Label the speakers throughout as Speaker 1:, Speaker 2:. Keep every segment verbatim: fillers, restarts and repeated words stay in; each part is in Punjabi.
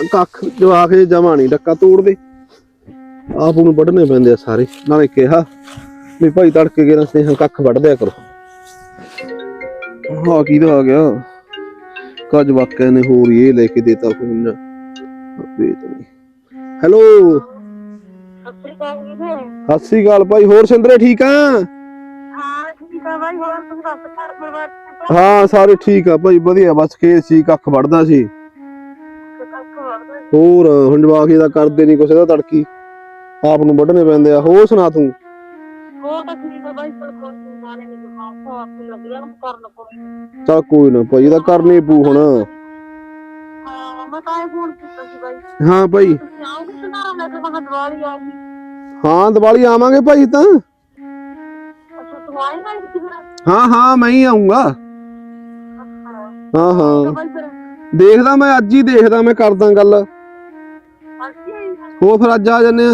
Speaker 1: ਕੱਖ ਜਵਾਕ ਜਮਾ ਨੀ ਡੱਕਾ ਤੋੜਦੇ ਆਪ ਨੂੰ ਵੱਢਣੇ ਪੈਂਦੇ ਆ ਸਾਰੇ। ਨਾਲੇ ਕਿਹਾ ਵੀ ਭਾਈ ਤੜਕੇ ਕੇ ਰਸਤੇ ਕੱਖ ਵੱਢ ਦਿਆ ਕਰੋ। ਹਾਂ ਕਿਹਦਾ ਆ ਗਿਆ ਕੱਜ ਵਾਕਿਆ ਨੇ ਹੋਰ ਇਹ ਲੈ ਕੇ ਦੇਤਾ ਫੋਨ। ਹੈਲੋ ਸਤਿ ਸ੍ਰੀ ਅਕਾਲ ਭਾਈ। ਹੋਰ ਸਿੰਦਰੇ ਠੀਕ ਆ? ਹਾਂ ਸਾਰੇ ਠੀਕ ਆ ਭਾਈ ਵਧੀਆ। ਬਸ ਖੇਤ ਸੀ ਕੱਖ ਵੱਢਦਾ ਸੀ। ਹੋਰ ਹੁਣ ਜਵਾਕ ਦਾ ਕਰਦੇ ਨੀ ਕੁਛ, ਇਹਦਾ ਤੜਕੀ ਆਪ ਨੂੰ ਵੱਢਣੇ ਪੈਂਦੇ ਆ। ਹੋਰ ਸੁਣਾ ਤੂੰ? ਚੱਲ ਕੋਈ ਨਾ ਭਾਈ ਇਹਦਾ ਕਰਨੀ ਪੂ ਹੁਣ। ਹਾਂ ਭਾਈ ਹਾਂ ਦੀਵਾਲੀ ਆਵਾਂਗੇ ਭਾਈ ਤਾਂ। ਹਾਂ ਹਾਂ ਮੈਂ ਹੀ ਆਊਂਗਾ। ਹਾਂ ਹਾਂ ਦੇਖਦਾ ਮੈਂ ਅੱਜ ਹੀ ਦੇਖਦਾ ਮੈਂ ਕਰਦਾ ਗੱਲ। ਹੋਰ ਫਿਰ ਅੱਜ ਆ ਜਾਂਦੇ ਆ।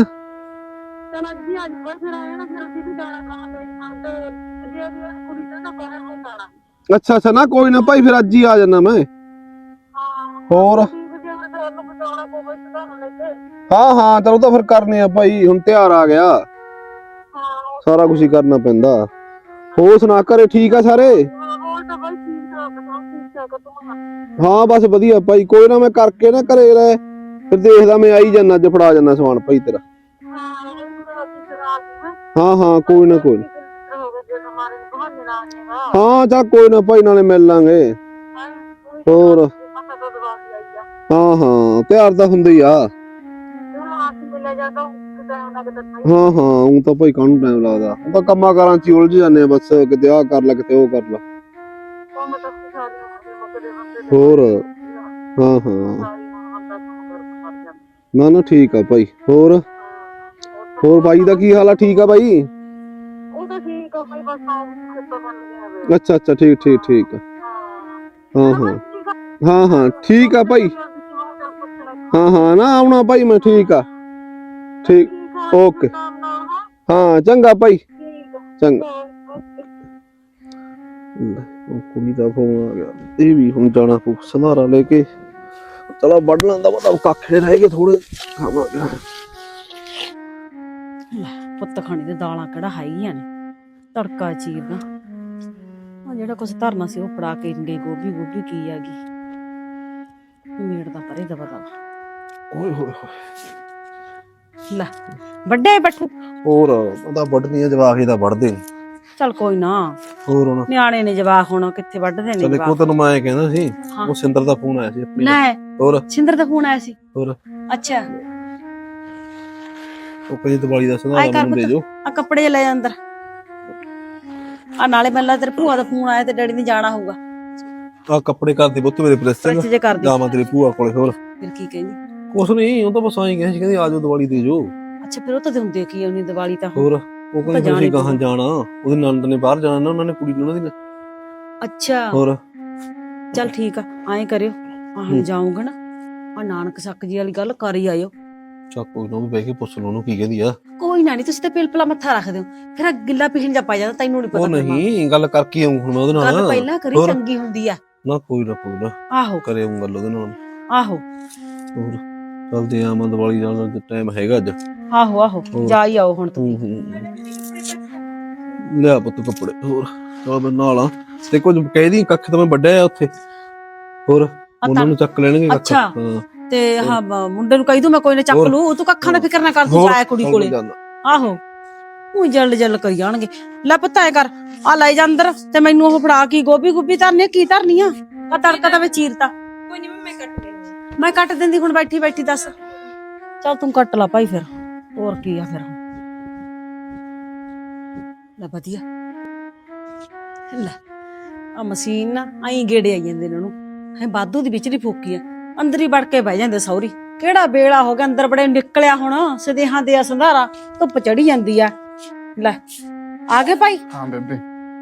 Speaker 1: ਅੱਛਾ ਅੱਛਾ ਨਾ ਕੋਈ ਨਾ ਭਾਈ ਫਿਰ ਅੱਜ ਹੀ ਆ ਜਾਣਾ ਮੈਂ। ਹੋਰ ਹਾਂ ਹਾਂ ਚਲੋ ਤਾਂ ਫਿਰ ਕਰਨੇ ਆ ਭਾਈ। ਹੁਣ ਤਿਉਹਾਰ ਆ ਗਿਆ ਸਾਰਾ ਕੁਛ ਹੀ ਕਰਨਾ ਪੈਂਦਾ। ਹੋਰ ਸੁਣਾ ਘਰੇ ਠੀਕ ਆ ਸਾਰੇ? ਹਾਂ ਬਸ ਵਧੀਆ ਭਾਈ। ਕੋਈ ਨਾ ਮੈਂ ਕਰਕੇ ਨਾ ਘਰੇ ਰਹਿ ਫਿਰ ਦੇਖਦਾ ਮੈਂ ਆਈ ਜਾਂਦਾ ਅੱਜ ਫੜਾ ਜਾਂਦਾ ਸਮਾਨ ਭਾਈ ਤੇਰਾ। ਹਾਂ ਹਾਂ ਕੋਈ ਨਾ ਕੋਈ ਨਾ। ਹਾਂ ਚੱਲ ਕੋਈ ਨਾ ਭਾਈ ਨਾਲੇ ਮਿਲ ਲਾਂਗੇ। ਹੋਰ ਹਾਂ ਹਾਂ ਤਿਉਹਾਰ ਤਾਂ ਹੁੰਦਾ ਹੀ ਆ। ਹਾਂ ਹਾਂ ਊਂ ਤਾਂ ਭਾਈ ਕਾਹਨੂੰ ਟਾਈਮ ਲੱਗਦਾ। ਉਹ ਤਾਂ ਕੰਮਾਂ ਕਾਰਾਂ ਚ ਹੀ ਉਲਝ ਜਾਂਦੇ ਆ ਬਸ। ਕਿਤੇ ਆਹ ਕਰ ਲੈ ਕਿਤੇ ਉਹ ਕਰ ਲੈ। ਹੋਰ ਹਾਂ ਹਾਂ ਨਾ ਨਾ ਠੀਕ ਆ ਭਾਈ। ਹੋਰ ਹੋਰ ਬਾਈ ਦਾ ਕੀ ਹਾਲ ਆ? ਠੀਕ ਆ ਬਾਈ? ਅੱਛਾ ਅੱਛਾ ਠੀਕ ਠੀਕ ਠੀਕ ਆ। ਹਾਂ ਹਾਂ ਹਾਂ ਹਾਂ ਠੀਕ ਆ ਭਾਈ। ਹਾਂ ਹਾਂ ਨਾ ਆਉਣਾ ਭਾਈ ਮੈਂ। ਠੀਕ ਆ ਠੀਕ ਓਕੇ। ਹਾਂ ਚੰਗਾ ਭਾਈ ਚੰਗਾ। ਉਹ ਕੁੜੀ ਦਾ ਫੋਨ ਆ ਗਿਆ। ਇਹ ਵੀ ਹੁਣ ਜਾਣਾ ਪਊ ਸੰਧਾਰਾ ਲੈ ਕੇ। ਚਲੋ ਵੱਢ ਲੈਂਦਾ ਪਤਾ ਕੱਖ ਰਹਿ ਗਏ ਥੋੜੇ ਖਾਵਾਂਗੇ।
Speaker 2: ਪੁੱਤ ਖਾਣੀ ਤੇ ਦਾਲਾਂ ਕਿਹੜਾ ਹੈਗੀਆਂ ਨੇ। ਤੜਕਾ ਚੀਰਦਾ ਆ ਜਿਹੜਾ ਕੁਛ ਧਰਨਾ ਸੀ ਉਹ ਫੜਾ ਕੇ ਗਈ। ਗੋਭੀ ਗੋਭੀ ਕੀ ਆ ਗਈ ਮੇੜ ਦਾ ਪਰੇ ਦਵਾ ਦਵਾ।
Speaker 1: ਓਏ ਹੋਏ ਹੋਏ
Speaker 2: ਲੈ ਵੱਡੇ ਬੱਠੂ।
Speaker 1: ਹੋਰ ਉਹਦਾ ਵੱਢਣੀ ਆ ਜਵਾਕ ਇਹਦਾ ਵੱਢਦੇ ਨੀ।
Speaker 2: ਚੱਲ ਕੋਈ ਨਾ
Speaker 1: ਹੋਰ ਹੁਣ
Speaker 2: ਨਿਆਣੇ ਨੇ ਜਵਾਕ ਹੁਣ ਕਿੱਥੇ ਵੱਢਦੇ ਨੇ।
Speaker 1: ਚੱਲ ਇੱਕੋ ਤੈਨੂੰ ਮੈਂ ਐਂ ਕਹਿੰਦਾ ਸੀ ਉਹ ਸਿੰਦਰ ਦਾ ਫੋਨ ਆਇਆ ਸੀ ਆਪਣੀ ਦਾ।
Speaker 2: ਲੈ
Speaker 1: ਹੋਰ
Speaker 2: ਸਿੰਦਰ ਦਾ ਫੋਨ ਆਇਆ ਸੀ?
Speaker 1: ਹੋਰ
Speaker 2: ਅੱਛਾ
Speaker 1: ਉਹ ਕਹਿੰਦੀ ਦੀਵਾਲੀ ਦਾ ਸੰਧਾਰਾ ਮੈਨੂੰ ਦੇ ਜੋ।
Speaker 2: ਆ ਕੱਪੜੇ ਜੇ ਲੈ ਜਾ ਅੰਦਰ। ਆ ਨਾਲੇ ਮੈਨੂੰ ਲੱਗਦਾ ਤੇਰੇ ਭੂਆ ਦਾ ਫੋਨ ਆਇਆ ਤੇ ਡੈਡੀ ਨੇ ਜਾਣਾ ਹੋਊਗਾ।
Speaker 1: ਆ ਕੱਪੜੇ ਕਰਦੀ ਪੁੱਤ ਮੇਰੇ ਪ੍ਰੈਸ
Speaker 2: ਜੇ ਕਰਦੀ
Speaker 1: ਜਾਵਾਂ ਤੇਰੀ ਭੂਆ ਕੋਲੇ। ਹੋਰ
Speaker 2: ਫਿਰ ਕੀ ਕਹਿੰਦੀ?
Speaker 1: ਕੁਛ ਨੀ ਉਹ ਤਾਂ ਬਸ ਆਈ ਕਹਿੰਦੀ ਕਹਿੰਦੀ ਆ ਜਾਓ ਦੀਵਾਲੀ ਦੇ ਜੋ।
Speaker 2: ਅੱਛਾ ਫਿਰ ਉਹ ਤਾਂ ਹੁੰਦੇ ਕੀ ਉਹਨੀ ਦੀਵਾਲੀ ਤਾਂ।
Speaker 1: ਹੋਰ ਉਹ ਕਹਿੰਦੀ ਫਿਰ ਅਸੀਂ ਗਾਹਾਂ ਜਾਣਾ। ਉਹਦੇ ਨਣਦ ਨੇ ਬਾਹਰ ਜਾਣਾ ਨਾ ਉਹਨਾਂ ਨੇ ਕੁੜੀ ਨੂੰ ਉਹਨਾਂ ਦੀ।
Speaker 2: ਅੱਛਾ
Speaker 1: ਹੋਰ
Speaker 2: ਚੱਲ ਠੀਕ ਆ ਐਂ ਕਰਿਓ ਆਹ ਜਾਊਂਗਾ ਨਾ ਆ ਨਾਨਕ ਸੱਕ ਜੀ ਵਾਲੀ ਗੱਲ ਕਰ ਹੀ ਆਇਓ।
Speaker 1: ਚੱਲ ਕੋਈ ਨਾ ਵੀ ਬਹਿ ਕੇ ਪੁੱਛ ਲਓ ਉਹਨੂੰ ਕੀ ਕਹਿੰਦੀ ਆ।
Speaker 2: ਕੋਈ ਨਾ ਨੀ ਤੁਸੀਂ ਤਾਂ ਪਿਲਪਲਾ ਮੱਥਾ ਰੱਖ ਦਿਓ ਫਿਰ ਗਿੱਲਾ ਪਿਛਣ ਜਾ ਪਾ ਜਾਂਦਾ ਤੈਨੂੰ ਨੀ ਪਤਾ।
Speaker 1: ਉਹ ਨਹੀਂ ਗੱਲ ਕਰਕੇ ਆਊਂ ਹੁਣ ਮੈਂ ਉਹਦੇ ਨਾਲ।
Speaker 2: ਗੱਲ ਪਹਿਲਾਂ ਕਰੀ ਚੰਗੀ ਹੁੰਦੀ ਆ।
Speaker 1: ਨਾ ਕੋਈ ਨਾ ਕੋਈ ਨਾ
Speaker 2: ਆਹੋ
Speaker 1: ਕਰੇ ਆਊਂ ਗੱਲ ਉਹਦੇ ਨਾਲ।
Speaker 2: ਆਹੋ
Speaker 1: ਹੋਰ ਚੱਲਦੇ ਆ ਮੈਂ ਦੀਵਾਲੀ ਜਾਣ ਦਾ ਟਾਈਮ ਹੈਗਾ ਅੱਜ।
Speaker 2: ਆਹੋ ਆਹੋ ਜਾ ਹੀ ਆਓ ਹੁਣ ਤੁਸੀਂ।
Speaker 1: ਲਿਆ ਪੁੱਤ ਕੱਪੜੇ। ਹੋਰ ਚਲ ਮੈਂ ਨਾਲ ਆ ਤੇ ਕੁਝ ਕਹਿਦੀ ਕੱਖ ਤਾਂ ਮੈਂ ਵੱਢਿਆ ਉੱਥੇ। ਹੋਰ ਉਹਨਾਂ ਨੂੰ ਚੱਕ ਲੈਣਗੇ ਕੱਖ।
Speaker 2: ਅੱਛਾ ਤੇ ਹਾਂ ਮੁੰਡੇ ਨੂੰ ਕਹਿ ਦੂ ਮੈਂ ਕੋਈ ਨਾ ਚੱਕ ਲੂ। ਤੂੰ ਕੱਖਾਂ ਦਾ ਫਿਕਰ ਨਾ ਕਰ ਤੂੰ ਜਾਇਆ ਕੁੜੀ ਕੋਲੇ। ਆਹੋ ਉਹੀ ਜਲਦ ਜਲਦ ਕਰੀ ਜਾਣਗੇ। ਲੈ ਪੁੱਤ ਐ ਕਰ ਆ ਲੈ ਜਾ ਅੰਦਰ ਤੇ ਮੈਨੂੰ ਉਹ ਫੜਾ ਕੀ ਗੋਭੀ ਗੋਭੀ ਧਰਨੀ ਕੀ ਧਰਨੀ ਆ? ਆ ਤੜਕਾ ਤਾਂ ਮੈਂ ਚੀਰਤਾ। ਕੋਈ ਨੀ ਮੈਂ ਕੱਟ ਲੈਂਦੀ। ਮੈਂ ਕੱਟ ਦਿੰਦੀ ਹੁਣ ਬੈਠੀ ਬੈਠੀ ਦੱਸ। ਚੱਲ ਤੂੰ ਕੱਟ ਲਾ ਭਾਈ ਫਿਰ ਹੋਰ ਕੀ ਆ ਫਿਰ। ਲੈ ਵਧੀਆ ਲੈ ਆ ਮਸ਼ੀਨ ਨਾ ਆਈ ਗੇੜੇ ਆਈ ਜਾਂਦੇ ਨੇ ਉਹਨੂੰ ਹੈ ਵਾਧੂ ਦੀ ਵਿਚਲੀ ਫੋਕੀ ਆ। ਅੰਦਰ ਹੀ ਵੜ ਕੇ ਬਹਿ ਜਾਂਦੇ ਸਹੁਰੀ। ਕਿਹੜਾ ਵੇਲਾ ਹੋ ਗਿਆ ਅੰਦਰ ਬੜੇ ਨਿਕਲਿਆ ਹੁਣ ਸਦੇਹਾਂ ਦੇ ਸੰਧਾਰਾ ਧੁੱਪ ਚੜੀ ਜਾਂਦੀ ਆ। ਲੈ ਆ ਗਏ ਭਾਈ?
Speaker 3: ਹਾਂ ਬੇਬੇ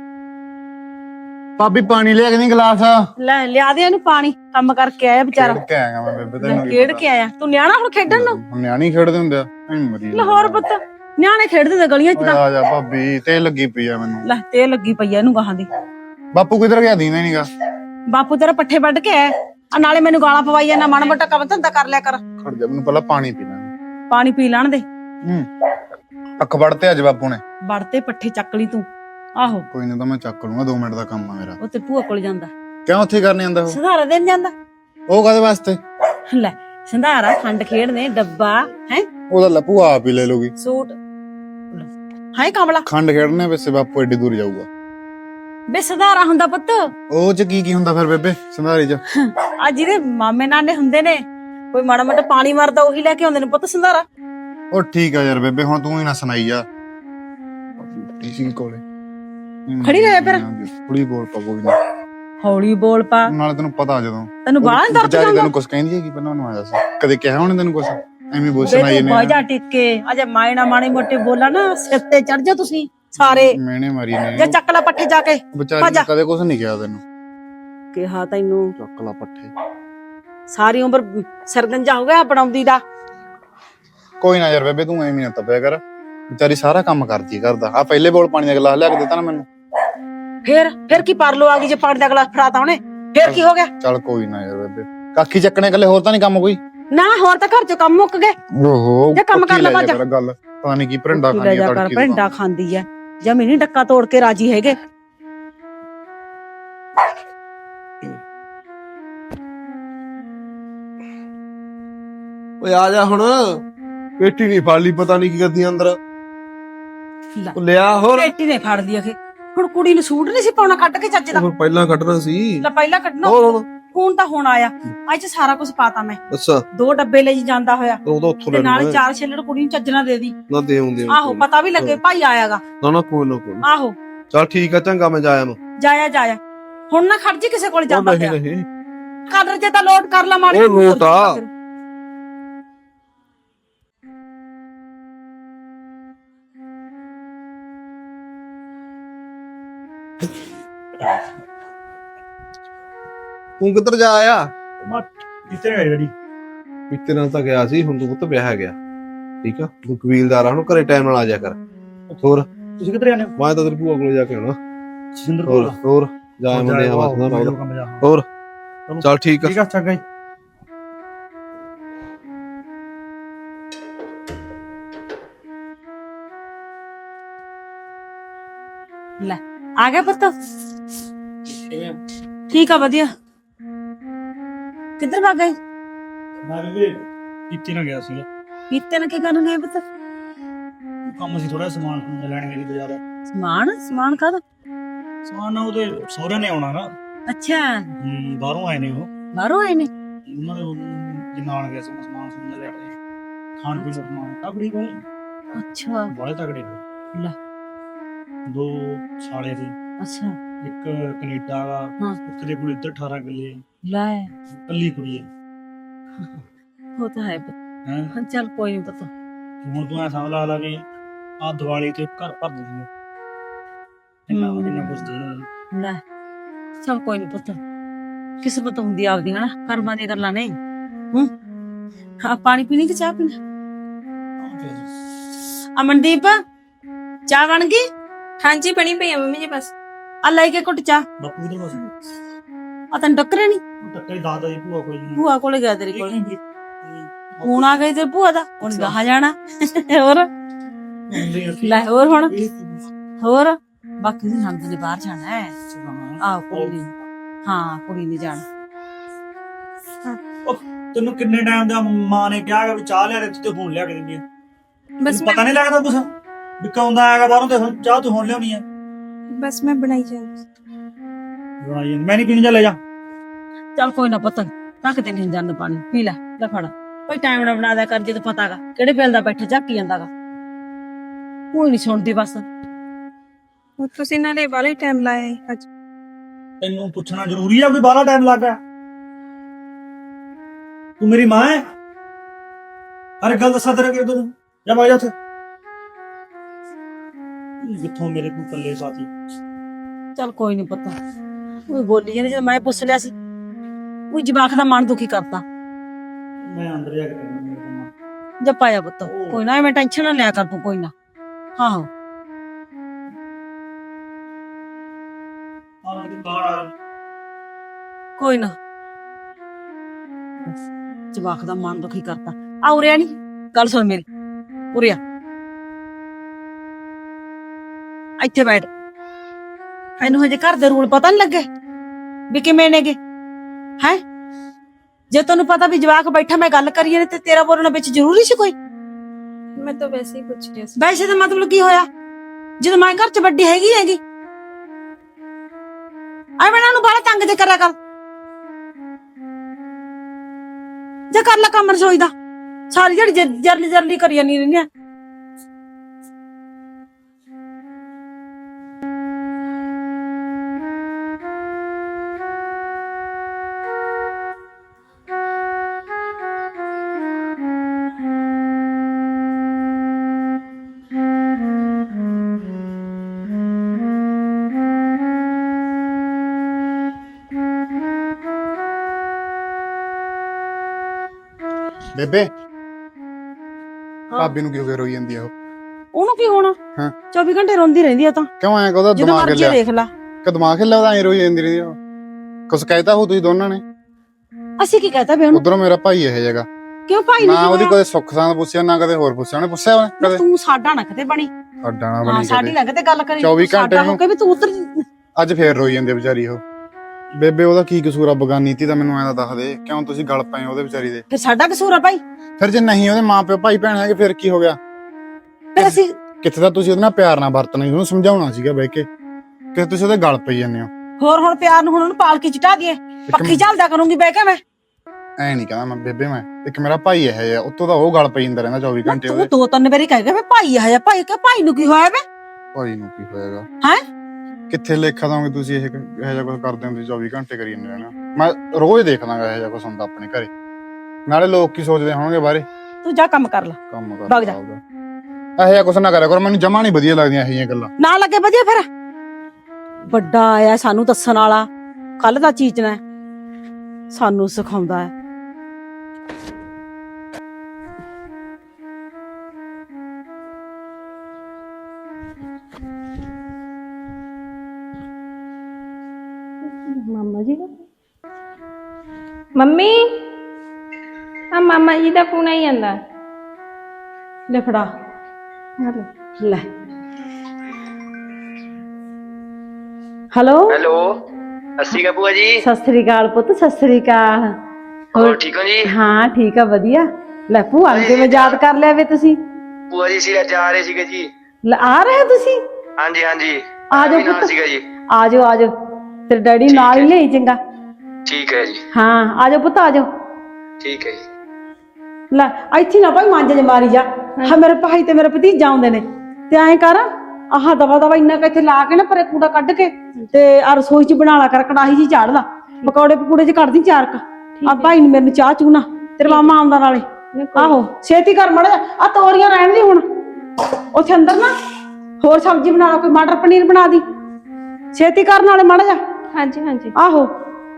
Speaker 3: ਭਾਬੀ ਪਾਣੀ ਲਿਆ ਕੇ ਨਹੀਂ ਗਲਾਸ?
Speaker 2: ਲੈ ਲਿਆ ਦੇ ਇਹਨੂੰ ਪਾਣੀ ਕੰਮ ਕਰਕੇ ਆਇਆ ਵਿਚਾਰਾ।
Speaker 3: ਖੇਡ ਕੇ ਆਇਆ ਮੈਂ ਬੇਬੇ ਤੈਨੂੰ
Speaker 2: ਖੇਡ ਕੇ ਆਇਆ ਤੂੰ ਨਿਆਣਾ ਹੁਣ ਖੇਡਣ ਨੂੰ?
Speaker 3: ਹੁਣ ਨਿਆਣੇ ਖੇਡਦੇ ਹੁੰਦੇ ਆ ਮਰੀ।
Speaker 2: ਲਾਹੌਰ ਪੁੱਤ ਨਿਆਣੇ ਖੇਡਦੇ ਹੁੰਦੇ ਗਲੀਆਂ ਚ ਤਾਂ।
Speaker 3: ਆ ਜਾ ਭਾਬੀ ਤੇ ਲੱਗੀ ਪਈ ਆ ਮੈਨੂੰ।
Speaker 2: ਲੈ ਤੇ ਲੱਗੀ ਪਈ ਆ ਇਹਨੂੰ ਗਾਹਾਂ ਦੀ।
Speaker 3: ਬਾਪੂ ਕਿੱਧਰ ਗਿਆ? ਦੀਨਾ ਨਹੀਂਗਾ।
Speaker 2: ਬਾਪੂ ਤੇਰਾ ਪੱਠੇ ਵੱਢ ਕੇ ਆਇਆ ਆ ਨਾਲੇ ਮੈਨੂੰ ਗਾਲਾਂ ਪਵਾਈ ਜਾਂਦਾ, ਮਨ ਮੋਟਾ ਕੰਮ ਧੰਦਾ ਕਰ ਲਿਆ ਕਰ।
Speaker 3: ਖੜ ਜਾ, ਮੈਨੂੰ ਪਹਿਲਾਂ ਪਾਣੀ ਪੀ ਲੈਣ।
Speaker 2: ਪਾਣੀ ਪੀ ਲੈਣ ਦੇ।
Speaker 3: ਹੂੰ ਅੱਖ ਵੜਤੇ ਅੱਜ ਬਾਪੂ ਨੇ।
Speaker 2: ਵੜਤੇ ਪੱਠੇ ਚੱਕ ਲਈ ਤੂੰ। ਆਹੋ
Speaker 3: ਕੋਈ ਨਾ, ਤਾਂ ਮੈਂ ਚੱਕ ਲੂੰਗਾ, ਦੋ ਮਿੰਟ ਦਾ ਕੰਮ ਆ ਮੇਰਾ।
Speaker 2: ਉਹ ਤੇ ਭੂਆ ਕੋਲ ਜਾਂਦਾ।
Speaker 3: ਕਿਉਂ ਉੱਥੇ ਕਰਨੇ ਜਾਂਦਾ ਉਹ?
Speaker 2: ਸੰਧਾਰਾ ਦੇਣ ਜਾਂਦਾ।
Speaker 3: ਉਹ ਕਾਹਦੇ ਵਾਸਤੇ?
Speaker 2: ਲੈ ਸੰਧਾਰਾ ਖੰਡ ਖੇਡਦੇ ਡੱਬਾ ਹੈ।
Speaker 3: ਉਹਦਾ ਲੱਪੂ ਆਪ ਹੀ ਲੈ ਲੂਗੀ।
Speaker 2: ਸੂਟ ਹਾਏ ਕਮਲਾ,
Speaker 3: ਖੰਡ ਖੇਡਣੇ ਵੈਸੇ ਬਾਪੂ ਏਡੀ ਦੂਰ ਜਾਊਗਾ।
Speaker 2: ਬੇ ਸੰਧਾਰਾ ਹੁੰਦਾ ਪੁੱਤ।
Speaker 3: ਉਹ ਚ ਕੀ ਕੀ ਹੁੰਦਾ ਫਿਰ ਬੇਬੇ ਸੰਧਾਰੇ ਚ?
Speaker 2: ਆ ਜਿਹਦੇ ਮਾਮੇ ਨਾਨੇ ਹੁੰਦੇ ਨੇ, ਕੋਈ ਮਾੜਾ ਮੋਟਾ ਪਾਣੀ ਮਾਰਦਾ ਉਹੀ ਲੈ ਕੇ ਆਉਂਦੇ ਨੇ ਪੁੱਤ ਸੰਧਾਰਾ।
Speaker 3: ਉਹ ਠੀਕ ਆ ਯਾਰ ਬੇਬੇ, ਹੁਣ ਤੂੰ ਹੀ ਨਾ ਸੁਣਾਈ ਜਾ। ਟੀਸੀ ਕੋਲੇ
Speaker 2: ਖੜੀ ਰਹਿ ਫਿਰ।
Speaker 3: ਥੋੜੀ ਬੋਲ ਪਾ ਕੋਈ ਨਾ।
Speaker 2: ਹੌਲੀ ਬੋਲ ਪਾ,
Speaker 3: ਨਾਲੇ ਤੈਨੂੰ ਪਤਾ ਜਦੋਂ
Speaker 2: ਤੈਨੂੰ ਬਾਹਰ ਦਰਦ
Speaker 3: ਵਿਚਾਰੀ
Speaker 2: ਜਾਂਦਾ।
Speaker 3: ਤੈਨੂੰ ਕੁਛ ਕਹਿੰਦੀ ਹੈ ਕਿ ਪਹਿਲਾਂ ਉਹਨੂੰ ਆਇਆ ਸੀ, ਕਦੇ ਕਿਹਾ ਉਹਨੇ ਤੈਨੂੰ ਕੁਛ? ਐਵੇਂ ਬੋਲ
Speaker 2: ਬੇ
Speaker 3: ਸੁਣਾਈ
Speaker 2: ਤੂੰ
Speaker 3: ਨੇ
Speaker 2: ਬਾਜਾ ਟਿੱਕੇ ਅਜੇ ਮਾਇਨਾ ਮਾਣੀ ਮੋਟੇ ਬੋਲਾ ਨਾ ਸਿਰ ਤੇ ਚੜ ਜਾ ਤੁਸੀਂ ਸਾਰੇ।
Speaker 3: ਮੈਨੇ ਮਾਰੀ ਨੇ।
Speaker 2: ਜੇ ਚੱਕ ਲੈ ਪੱਠੇ ਜਾ ਕੇ।
Speaker 3: ਵਿਚਾਰੀ ਨੇ ਕਦੇ ਕੁਛ ਨਹੀਂ ਕਿਹਾ ਤੈਨੂੰ।
Speaker 2: ਕਿਹਾ ਤੈਨੂੰ
Speaker 3: ਚੱਕ ਲਾ ਪੱਠੇ।
Speaker 2: ਸਾਰੀ ਉਮਰ ਸਰਗੰਜਾ ਹੋ ਗਿਆ ਬਣਾਉਂਦੀ ਦਾ।
Speaker 3: ਕੋਈ ਨਾ ਯਾਰ ਬੇਬੇ, ਤੂੰ ਐਵੇਂ ਨਾ ਤੱਪਿਆ ਕਰ। ਵਿਚਾਰੀ ਸਾਰਾ ਕੰਮ ਕਰਦੀ ਕਰਦਾ। ਆ ਪਹਿਲੇ ਬੋਲ ਪਾਣੀ ਦਾ ਗਲਾਸ ਲਿਆ ਕੇ ਦਿੱਤਾ ਨਾ ਮੈਨੂੰ।
Speaker 2: ਫੇਰ ਫੇਰ ਕੀ ਪਰ ਲੋ ਆ ਗਈ ਜੇ ਪਾਣੀ ਦਾ ਗਲਾਸ ਫੜਾਤਾ ਉਹਨੇ, ਫੇਰ ਕੀ ਹੋ ਗਿਆ?
Speaker 3: ਚੱਲ ਕੋਈ ਨਾ ਯਾਰ ਬੇਬੇ, ਕਾਕੀ ਚੱਕਣੇ ਕੱਲੇ, ਹੋਰ ਤਾਂ ਨਹੀਂ ਕੰਮ ਕੋਈ?
Speaker 2: ਨਾ ਹੋਰ ਤਾਂ ਘਰ ਚ ਕੰਮ ਮੁੱਕ ਗਏ।
Speaker 3: ਓਹੋ
Speaker 2: ਜੇ ਕੰਮ ਕਰ ਲੈ ਬਾਜਾ।
Speaker 3: ਗੱਲ ਪਤਾ ਨਹੀਂ ਕੀ ਭਰਿੰਡਾ
Speaker 2: ਲੈ
Speaker 3: ਖਾਂਦੀ
Speaker 2: ਜਾ
Speaker 3: ਆ
Speaker 2: ਕਰ
Speaker 3: ਤੜਕੀ
Speaker 2: ਭਿੰਡਾ ਖਾਂਦੀ ਐ, ਜਮੀ ਨੀ ਡੱਕਾ ਤੋੜ ਕੇ ਰਾਜੀ ਹੈਗੇ।
Speaker 1: ਓਏ ਆ ਜਾ ਹੁਣ, ਪੇਟੀ ਨਹੀਂ ਫੜ ਲਈ, ਪਤਾ ਨਹੀਂ ਕੀ ਕਰਦੀ ਅੰਦਰ।
Speaker 2: ਲੈ,
Speaker 1: ਉਹ ਲਿਆ ਹੋਰ।
Speaker 2: ਪੇਟੀ ਨੇ ਫੜ ਲਈ ਅਖੇ। ਹੁਣ ਕੁੜੀ ਨੂੰ ਸੂਟ ਨਹੀਂ ਸੀ ਪਾਉਣਾ ਕੱਢ ਕੇ ਚੱਜ ਦਾ।
Speaker 1: ਹੋਰ ਪਹਿਲਾਂ ਕੱਢਣਾ ਸੀ।
Speaker 2: ਲੈ ਪਹਿਲਾਂ ਕੱਢਣਾ,
Speaker 1: ਹੋਰ ਹੁਣ
Speaker 2: ਹੁਣ ਤਾਂ ਹੁਣ ਆਇਆ। ਅੱਜ ਚ ਸਾਰਾ ਕੁਝ ਪਾਤਾ ਮੈਂ।
Speaker 1: ਅੱਛਾ,
Speaker 2: ਦੋ ਡੱਬੇ ਲਈ ਜਾਂਦਾ ਹੋਇਆ
Speaker 1: ਉਹ ਤਾਂ ਉੱਥੋਂ
Speaker 2: ਤੇ
Speaker 1: ਲੈ
Speaker 2: ਨਾਲੇ
Speaker 1: ਲੂੰ
Speaker 2: ਚਾਰ ਛਿੱਲੜ ਕੁੜੀ ਨੂੰ ਚੱਜਣਾ ਦੇ ਦੀ।
Speaker 1: ਨਾ ਦੇ ਆਉਂਦੇ।
Speaker 2: ਆਹੋ ਪਤਾ ਵੀ ਲੱਗੇ ਭਾਈ ਆਇਆਗਾ।
Speaker 1: ਨਾ ਨਾ ਕੋਈ ਨਾ ਕੋਈ।
Speaker 2: ਆਹੋ
Speaker 1: ਚੱਲ ਠੀਕ ਆ, ਚੰਗਾ ਮੈਂ ਜਾਇਆ ਮੈਂ।
Speaker 2: ਜਾਇਆ ਜਾਇਆ ਹੁਣ ਨਾ ਖੜ ਜੀ ਕਿਸੇ ਕੋਲ ਜਾਂਦਾ
Speaker 1: ਨਹੀਂ
Speaker 2: ਪਿਆ।
Speaker 1: ਨਹੀਂ
Speaker 2: ਕਦਰ ਜੇ ਤਾਂ ਲੋਟ ਕਰ ਲਾ ਮਾੜੀ।
Speaker 1: ਉਹ ਲੋਟ ਆ। ਤੂੰ ਕਿੱਧਰ ਜਾ ਆਇਆ?
Speaker 4: ਕਿੱਥੇ ਗਏ ਡੈਡੀ?
Speaker 1: ਪਿੱਤੇ ਨਾਲ ਤਾਂ ਗਿਆ ਸੀ, ਹੁਣ ਤੂੰ ਪੁੱਤ ਵਿਆਹ ਗਿਆ। ਠੀਕ ਆ, ਤੂੰ ਕਬੀਲਦਾਰ ਆ, ਹੁਣ ਘਰੇ ਟਾਈਮ ਨਾਲ ਆ ਜਾ ਕਰ। ਹੋਰ
Speaker 4: ਤੁਸੀਂ ਕਿੱਧਰ ਜਾਣੇ ਹੋ?
Speaker 1: ਮੈਂ ਤਾਂ ਤੇਰੀ ਭੂਆ ਕੋਲ ਜਾ ਕੇ ਆਉਣਾ।
Speaker 4: ਸਿੰਦਰ
Speaker 1: ਹੋਰ
Speaker 4: ਕੋਲ
Speaker 1: ਹੋਰ ਜਾ ਮੰਦੇ ਆ ਬਸ ਨਾ।
Speaker 4: ਕੰਮ ਜਾ।
Speaker 1: ਹੋਰ ਚੱਲ ਠੀਕ ਆ।
Speaker 4: ਠੀਕ ਆ ਚੰਗਾ ਜੀ।
Speaker 2: ਲੈ ਆ ਗਿਆ ਪੁੱਤ। ਠੀਕ ਆ ਵਧੀਆ। ਕਿੱਧਰ ਭੱਗ ਗਏ?
Speaker 4: ਮੈਂ ਵੀ ਕਿੱਥੇ ਨਾ ਗਿਆ ਸੀਗਾ।
Speaker 2: ਪੀਤੇ ਨਾ ਕੀ ਕਰਨ ਗਏ ਪੁੱਤ?
Speaker 4: ਕੰਮ ਸੀ ਥੋੜਾ ਸਮਾਨ ਲੈਣ ਗਏ ਬਾਜ਼ਾਰ।
Speaker 2: ਸਮਾਨ ਸਮਾਨ ਕਾਹਦਾ?
Speaker 4: ਸਮਾਨ ਨਾ ਉਹਦੇ ਸਹੁਰੇ ਨੇ ਆਉਣਾ ਨਾ।
Speaker 2: ਅੱਛਾ
Speaker 4: ਹੂੰ, ਬਾਹਰੋਂ ਆਏ ਨੇ ਉਹ।
Speaker 2: ਬਾਹਰੋਂ ਆਏ ਨੇ?
Speaker 4: ਉਹਨਾਂ ਦੇ ਨਾਲ ਗਿਆ ਸੀ ਸਮਾਨ ਸਮਝ ਲੈ ਕੇ। ਖਾਣ ਪੀਣ ਦਾ ਸਮਾਨ ਤਗੜੀ ਕੋਲ।
Speaker 2: ਅੱਛਾ
Speaker 4: ਬੜੇ ਤਗੜੇ
Speaker 2: ਲੈ।
Speaker 4: ਦੋ ਸਾਲੇ ਸੀ,
Speaker 2: ਅੱਛਾ
Speaker 4: ਇੱਕ ਕੈਨੇਡਾ ਦਾ,
Speaker 2: ਹਾਂ।
Speaker 4: ਇੱਕ ਦੇ ਕੋਲ ਇੱਧਰ ਅਠਾਰਾਂ ਕਿੱਲੇ,
Speaker 2: ਲੈ
Speaker 4: ਕੱਲੀ ਕੁੜੀ ਹੈ।
Speaker 2: ਉਹ ਤਾਂ ਹੈ ਪੁੱਤ।
Speaker 4: ਹੈਂ?
Speaker 2: ਚੱਲ ਕੋਈ ਨਹੀਂ ਪੁੱਤ।
Speaker 4: ਹੁਣ ਤੂੰ ਐ ਸਮਝ ਲਾ ਲਾ ਵੀ ਆ ਦੀਵਾਲੀ ਤੇ ਘਰ ਭਰ ਦੂੰਗੀ ਇੰਨਾ ਇੰਨਾ ਕੁਝ ਦੇਣਾ।
Speaker 2: ਲੈ ਚੱਲ ਕੋਈ ਨਹੀਂ ਪੁੱਤ, ਕਿਸਮਤ ਹੁੰਦੀ ਆਪਦੀ ਹਨਾ, ਕਰਮਾਂ ਦੀਆਂ ਗੱਲਾਂ ਨੇ। ਹੂੰ ਆ ਪਾਣੀ ਪੀਣੀ ਕਿ ਚਾਹ ਪੀਣੀ? ਅਮਨਦੀਪ ਚਾਹ ਬਣ ਗਈ?
Speaker 5: ਹਾਂਜੀ ਬਣੀ ਪਈ ਆ ਮੰਮੀ ਜੀ ਬਸ।
Speaker 2: ਆ ਲੈ ਕੇ ਘੁੱਟ ਚਾਹ।
Speaker 4: ਬਾਪੂ ਦੇ ਬਸ
Speaker 2: ਆ ਤੈਨੂੰ ਟੱਕਰੇ ਨਹੀਂ?
Speaker 4: ਟੱਕੇ ਦਾਦਾ ਜੀ ਭੂਆ ਕੋਈ ਨਹੀਂ।
Speaker 2: ਭੂਆ ਕੋਲੇ ਗਿਆ ਤੇਰੇ ਕੋਲ? ਹੁਣ ਆ ਗਈ ਤੇ ਭੂਆ ਦਾ ਹੁਣ ਗਾਹ ਜਾਣਾ। ਹੋਰ ਲੈ ਹੋਰ ਹੁਣ ਹੋਰ ਬਾਕੀ ਦੀ ਸੰਦ ਨੇ ਬਾਹਰ ਜਾਣਾ ਹੈ। ਆਹ ਕੁੜੀ ਨੇ, ਹਾਂ ਕੁੜੀ ਨੇ ਜਾਣਾ।
Speaker 4: ਤੈਨੂੰ ਕਿੰਨੇ ਟਾਈਮ ਦਾ ਮਾਂ ਨੇ ਕਿਹਾ ਵੀ ਚਾਹ ਲਿਆ ਦੇ ਤੇ ਹੁਣ ਲਿਆ ਕੇ ਦਿੰਦੀ ਆ।
Speaker 5: ਬਸ
Speaker 4: ਪਤਾ ਨਹੀਂ ਲੱਗਦਾ ਕੁਛ ਵੀ ਕੌਂਦਾ ਆਏਗਾ ਬਾਹਰੋਂ ਤੇ ਹੁਣ ਚਾਹ ਤੂੰ ਹੁਣ ਲਿਆਉਣੀ ਆ।
Speaker 5: ਬਸ ਮੈਂ ਬਣਾਈ ਜਾ।
Speaker 4: ਬਣਾਈ ਜਾਂਦੀ। ਮੈਂ ਨਹੀਂ ਪੀਣੀ, ਜਾ ਲੈ ਜਾ।
Speaker 2: ਚੱਲ ਕੋਈ ਨਾ ਪੁੱਤ, ਤੱਕ ਤੇ ਨਹੀਂ ਜਾਂਦਾ ਪਾਣੀ ਪੀ ਲੈ। ਲੈ ਫੜ ਕੋਈ ਟਾਈਮ ਨਾ ਬਣਾ ਦਿਆ ਕਰ, ਜਦੋਂ ਪਤਾਗਾ ਕਿਹੜੇ ਬਿੱਲ ਦਾ ਬੈਠਾ ਝਾਕੀ ਜਾਂਦਾਗਾ। ਕੋਈ ਨਹੀਂ ਸੁਣਦੀ ਬਸ।
Speaker 5: ਉਹ ਤੁਸੀਂ ਨਾਲੇ ਵਾਲੇ ਟਾਈਮ ਲਾਇਆ ਹੈ ਅੱਜ।
Speaker 4: ਤੈਨੂੰ ਪੁੱਛਣਾ ਜ਼ਰੂਰੀ ਆ ਕੋਈ ਬਾਹਲਾ ਟਾਈਮ ਲੱਗ ਗਿਆ? ਤੂੰ ਮੇਰੀ ਮਾਂ ਹੈ? ਹਰ ਗੱਲ ਦੱਸਾਂ ਤੇਰੇ ਕਿ ਤੂੰ ਜਾ ਬਾਈ ਜਾ ਉੱਥੇ। ਕਿੱਥੋਂ ਮੇਰੇ ਕੋਲ ਕੱਲੇ ਸਾਥੀ।
Speaker 2: ਚੱਲ ਕੋਈ ਨਹੀਂ ਪੁੱਤ, ਉਹ ਬੋਲੀ ਜਾਂਦੀ ਜਦੋਂ ਮੈਂ ਪੁੱਛ ਲਿਆ ਸੀ। ਉਹ ਜਵਾਕ ਦਾ ਮਨ ਦੁਖੀ ਕਰਤਾ।
Speaker 4: ਮੈਂ ਅੰਦਰ ਜਾ ਕੇ ਤੈਨੂੰ ਮੇਰੇ ਕੋਲ
Speaker 2: ਜਾ ਪਾਇਆ ਪੁੱਤ, ਕੋਈ ਨਾ ਐਵੇਂ ਟੈਨਸ਼ਨ ਨਾ ਲਿਆ ਕਰ ਤੂੰ, ਕੋਈ ਨਾ। ਆਹੋ
Speaker 4: ਆ ਕੇ ਬਾਹਰ ਆ।
Speaker 2: ਕੋਈ ਨਾ ਜਵਾਕ ਦਾ ਮਨ ਦੁਖੀ ਕਰਤਾ। ਆ ਉਰਿਆ ਨਹੀਂ, ਗੱਲ ਸੁਣ ਮੇਰੀ, ਉਰਿਆ ਇੱਥੇ ਬੈਠ। ਇਹਨੂੰ ਹਜੇ ਘਰ ਦੇ ਰੂਲ ਪਤਾ ਨੀ ਲੱਗੇ ਵੀ ਕਿਵੇਂ ਨੇਗੇ ਹੈ? ਜੇ ਤੈਨੂੰ ਪਤਾ ਵੀ ਜਵਾਕ ਬੈਠਾ ਮੈਂ ਗੱਲ ਕਰੀਏ ਨੇ ਤੇ ਤੇਰਾ ਬੋਲਣਾ ਵਿੱਚ ਜ਼ਰੂਰੀ ਸੀ ਕੋਈ?
Speaker 5: ਮੈਂ ਤਾਂ ਵੈਸੇ ਹੀ ਪੁੱਛ ਰਹੀ ਸੀ।
Speaker 2: ਵੈਸੇ ਤਾਂ ਮਤਲਬ ਕੀ ਹੋਇਆ ਜਦੋਂ ਮੈਂ ਘਰ ਚ ਵੱਡੀ ਹੈਗੀ ਹੈਗੀ? ਐਵੇਂ ਇਹਨਾਂ ਨੂੰ ਬਾਹਲਾ ਤੰਗ ਤੇ ਕਰਿਆ ਕਰ। ਜੇ ਕਰ ਲੈ ਕੰਮ ਰਸੋਈ ਦਾ, ਸਾਰੀ ਜਿਹੜੀ ਜਰਲੀ ਜਰਲੀ ਕਰੀ ਜਾਂਦੀ ਰਹਿੰਦੀ ਆ।
Speaker 3: ਬੇਬੇ ਭਾਬੀ ਨੂੰ ਕੀ ਹੋ ਗਿਆ, ਰੋਈ ਜਾਂਦੀ ਆ ਉਹ?
Speaker 2: ਉਹਨੂੰ ਕੀ ਹੋਣਾ,
Speaker 3: ਹਾਂ
Speaker 2: ਚੌਵੀ ਘੰਟੇ ਰੋਂਦੀ ਰਹਿੰਦੀ ਆ। ਤਾਂ
Speaker 3: ਕਿਉਂ ਐ ਉਹਦਾ
Speaker 2: ਜਦੋਂ
Speaker 3: ਦਿਮਾਗ
Speaker 2: ਮਰਜ਼ੀ
Speaker 3: ਹਿੱਲਿਆ?
Speaker 2: ਦੇਖ ਲਾ,
Speaker 3: ਕਿ ਦਿਮਾਗ ਹਿੱਲਿਆ ਉਹਦਾ, ਐ ਰੋਈ ਜਾਂਦੀ ਰਹਿੰਦੀ ਆ ਉਹ? ਕੁਛ ਕਹਿਤਾ ਹੋ ਤੁਸੀਂ ਦੋਨਾਂ ਨੇ?
Speaker 2: ਅਸੀਂ ਕੀ ਕਹਤਾ ਵੀ ਉਹਨੂੰ?
Speaker 3: ਉਧਰੋਂ ਮੇਰਾ ਭਾਈ ਇਹ ਜਗਾ,
Speaker 2: ਕਿਉਂ ਭਾਈ
Speaker 3: ਨਾ ਉਹਦੀ ਕਦੇ ਸੁੱਖ ਸਾਂਦ ਪੁੱਛਿਆ ਨਾ ਕਦੇ ਹੋਰ ਪੁੱਛਿਆ। ਉਹਨੇ ਪੁੱਛਿਆ ਉਹਨੇ ਕਦੇ?
Speaker 2: ਤੂੰ ਸਾਡਾ ਨਾ ਕਿਤੇ ਬਣੀ,
Speaker 3: ਸਾਡਾ ਨਾ
Speaker 2: ਹਾਂ
Speaker 3: ਬਣੀ
Speaker 2: ਸਾਡੀ
Speaker 3: ਕਦੇ।
Speaker 2: ਨਾ ਕਿਤੇ ਗੱਲ ਕਰੀ।
Speaker 3: ਚੌਵੀ ਘੰਟੇ
Speaker 2: ਹੋ ਕੇ ਵੀ ਤੂੰ ਉਧਰ
Speaker 3: ਅੱਜ ਫੇਰ ਰੋਈ ਜਾਂਦੀ ਆ ਵਿਚਾਰੀ ਉਹ। ਬੇਬੇ ਉਹਦਾ ਕੀ ਕਸੂਰ ਆ ਬਗਾਨੀ ਤੀ ਦਾ? ਮੈਨੂੰ ਐਂ ਤਾਂ ਦੱਸ ਦੇ, ਕਿਉਂ ਤੁਸੀਂ ਗਲ ਪਏ ਉਹਦੇ ਵਿਚਾਰੀ ਦੇ?
Speaker 2: ਫਿਰ ਸਾਡਾ ਕਸੂਰ ਆ ਭਾਈ?
Speaker 3: ਫਿਰ ਜੇ ਨਹੀਂ ਉਹਦੇ ਮਾਂ ਪਿਓ ਭਾਈ ਭੈਣ ਹੈਗੇ ਫਿਰ ਕੀ ਹੋ ਗਿਆ?
Speaker 2: ਫਿਰ ਅਸੀਂ
Speaker 3: ਕਿੱਥੇ ਤਾਂ ਤੁਸੀਂ ਉਹਦੇ ਨਾਲ ਪਿਆਰ ਨਾਲ ਵਰਤਣਾ ਸੀ, ਉਹਨੂੰ ਸਮਝਾਉਣਾ ਸੀਗਾ ਬਹਿ ਕੇ, ਕਿ ਤੁਸੀਂ ਉਹਦੇ ਗਲ ਪਈ ਜਾਂਦੇ ਹੋ।
Speaker 2: ਹੋਰ ਹੁਣ ਪਿਆਰ ਨੂੰ ਹੁਣ ਉਹਨੂੰ ਪਾਲਕੀ ਚਟਾ ਦਈਏ? ਪੱਖੀ ਝਲਦਾ ਕਰੂੰਗੀ ਬਹਿ ਕੇ ਮੈਂ।
Speaker 3: ਐ ਨਹੀਂ ਕਹਿੰਦਾ ਮੈਂ ਬੇਬੇ, ਮੈਂ ਇੱਕ ਮੇਰਾ ਭਾਈ ਇਹ ਆ, ਉੱਤੋਂ ਦਾ ਉਹ ਗਲ ਪਈ ਜਾਂਦਾ ਰਹਿੰਦਾ ਚੌਵੀ ਘੰਟੇ
Speaker 2: ਤੂੰ
Speaker 3: ਉਹਦੇ।
Speaker 2: ਦੋ ਤਿੰਨ ਵਾਰੀ ਕਹਿ ਗਿਆ ਵੀ ਭਾਈ ਆ ਜਾ ਭਾਈ, ਕਿ ਭਾਈ ਨੂੰ ਕੀ ਹੋਇਆ ਵੇ?
Speaker 3: ਭਾਈ ਨੂੰ ਕੀ ਹੋਏਗਾ?
Speaker 2: ਹੈ
Speaker 3: ਕਿੱਥੇ ਲੇਖਾ ਦੋਗੇ ਤੁਸੀਂ? ਇਹ ਇਹੋ ਜਿਹਾ ਕੁਝ ਕਰਦੇ ਹੋ ਤੁਸੀਂ, ਚੌਵੀ ਘੰਟੇ ਕਰੀ ਜਾਂਦੇ ਰਹਿਣਾ। ਮੈਂ ਰੋਜ਼ ਦੇਖਦਾਗਾ ਇਹੋ ਜਿਹਾ ਕੁਝ ਹੁੰਦਾ ਆਪਣੇ ਘਰੇ। ਨਾਲੇ ਲੋਕ ਕੀ ਸੋਚਦੇ ਹੋਣਗੇ ਬਾਰੇ।
Speaker 2: ਤੂੰ ਜਾ ਕੰਮ ਕਰ ਲੈ,
Speaker 3: ਕੰਮ ਕਰ
Speaker 2: ਵਗ ਜਾ।
Speaker 3: ਇਹੋ ਜਿਹਾ ਕੁਝ ਨਾ ਕਰਿਆ ਕਰੋ, ਮੈਨੂੰ ਜਮਾ ਨਹੀਂ ਵਧੀਆ ਲੱਗਦੀਆਂ ਇਹੋ ਜਿਹੀਆਂ ਗੱਲਾਂ।
Speaker 2: ਨਾ ਲੱਗੇ ਵਧੀਆ ਫਿਰ। ਵੱਡਾ ਆਇਆ ਸਾਨੂੰ ਦੱਸਣ ਵਾਲਾ, ਕੱਲ ਦਾ ਚੀਚਣਾ ਸਾਨੂੰ ਸਿਖਾਉਂਦਾ ਹੈ।
Speaker 5: ਮਾਮਾ ਜੀ ਦਾ ਮੰਮੀ ਆ ਮਾਮਾ ਜੀ ਦਾ ਫੋਨ ਆਈ ਜਾਂਦਾ।
Speaker 2: ਲੈ ਫੜਾ
Speaker 5: ਹਲੋ
Speaker 2: ਲੈ। ਹੈਲੋ
Speaker 6: ਹੈਲੋ, ਸਤਿ ਸ਼੍ਰੀ ਅਕਾਲ ਭੂਆ ਜੀ।
Speaker 2: ਸਤਿ ਸ੍ਰੀ ਅਕਾਲ ਪੁੱਤ, ਸਤਿ ਸ੍ਰੀ ਅਕਾਲ।
Speaker 6: ਹੋਰ ਠੀਕ ਹੋ ਜੀ?
Speaker 2: ਹਾਂ ਠੀਕ ਆ ਵਧੀਆ। ਲੈ ਭੂਆ ਨੂੰ ਕਿਵੇਂ ਯਾਦ ਕਰ ਲਿਆ ਵੇ ਤੁਸੀਂ?
Speaker 6: ਭੂਆ ਜੀ ਸੀ ਜਾ ਰਹੇ ਸੀਗੇ ਜੀ।
Speaker 2: ਲੈ ਆ ਰਹੇ ਹੋ ਤੁਸੀਂ?
Speaker 6: ਹਾਂਜੀ ਹਾਂਜੀ,
Speaker 2: ਆ ਜਾਓ
Speaker 6: ਵੀ ਨਾਲ
Speaker 2: ਪੁੱਤ,
Speaker 6: ਸੀਗਾ ਜੀ।
Speaker 2: ਆ ਜਾਓ ਆ ਜਾਓ, ਤੇਰੇ ਡੈਡੀ ਨਾਲ ਹੀ ਲਈ ਚੰਗਾ।
Speaker 6: ਠੀਕ ਹੈ ਜੀ,
Speaker 2: ਹਾਂ ਆ ਜਾਓ ਪੁੱਤ ਆ ਜਾਓ।
Speaker 6: ਠੀਕ ਹੈ ਜੀ।
Speaker 2: ਲੈ ਇੱਥੇ ਨਾ ਭਾਈ ਮਾਂਜੇ ਮਾਰੀ ਜਾ। ਹਾਂ ਮੇਰੇ ਭਾਈ ਤੇ ਮੇਰਾ ਭਤੀਜਾ ਆਉਂਦੇ ਨੇ, ਤੇ ਐਂ ਕਰ ਆਹ ਦਵਾ ਦਵਾ ਇੰਨਾ ਕੁ ਇੱਥੇ ਲਾ ਕੇ ਨਾ ਪਰੇ ਕੂੜਾ ਕੱਢ ਕੇ ਤੇ ਆ ਰਸੋਈ ਚ ਬਣਾ ਲਾ ਕਰ, ਕੜਾਹੀ ਜੀ ਚਾੜ ਲਾ, ਪਕੌੜੇ ਪਕੂੜੇ ਚ ਕੱਢਦੀ ਚਾਰ ਕ। ਆ ਭਾਈ ਨੂੰ ਮੈਨੂੰ ਚਾਹ ਚੂਣਾ, ਤੇਰੇ ਮਾਮਾ ਆਉਂਦਾ ਨਾਲੇ। ਆਹੋ ਛੇਤੀ ਕਰ ਮੜ ਜਾ, ਆ ਤੋਰੀਆਂ ਰਹਿਣ ਦੀ ਹੁਣ ਉੱਥੇ ਅੰਦਰ ਨਾ, ਹੋਰ ਸਬਜ਼ੀ ਬਣਾ ਲਾ, ਕੋਈ ਮਟਰ ਪਨੀਰ ਬਣਾ ਦੀ, ਛੇਤੀ ਕਰ ਨਾਲੇ ਮੜ ਜਾ।
Speaker 5: ਹਾਂਜੀ ਹਾਂਜੀ
Speaker 2: ਆਹੋ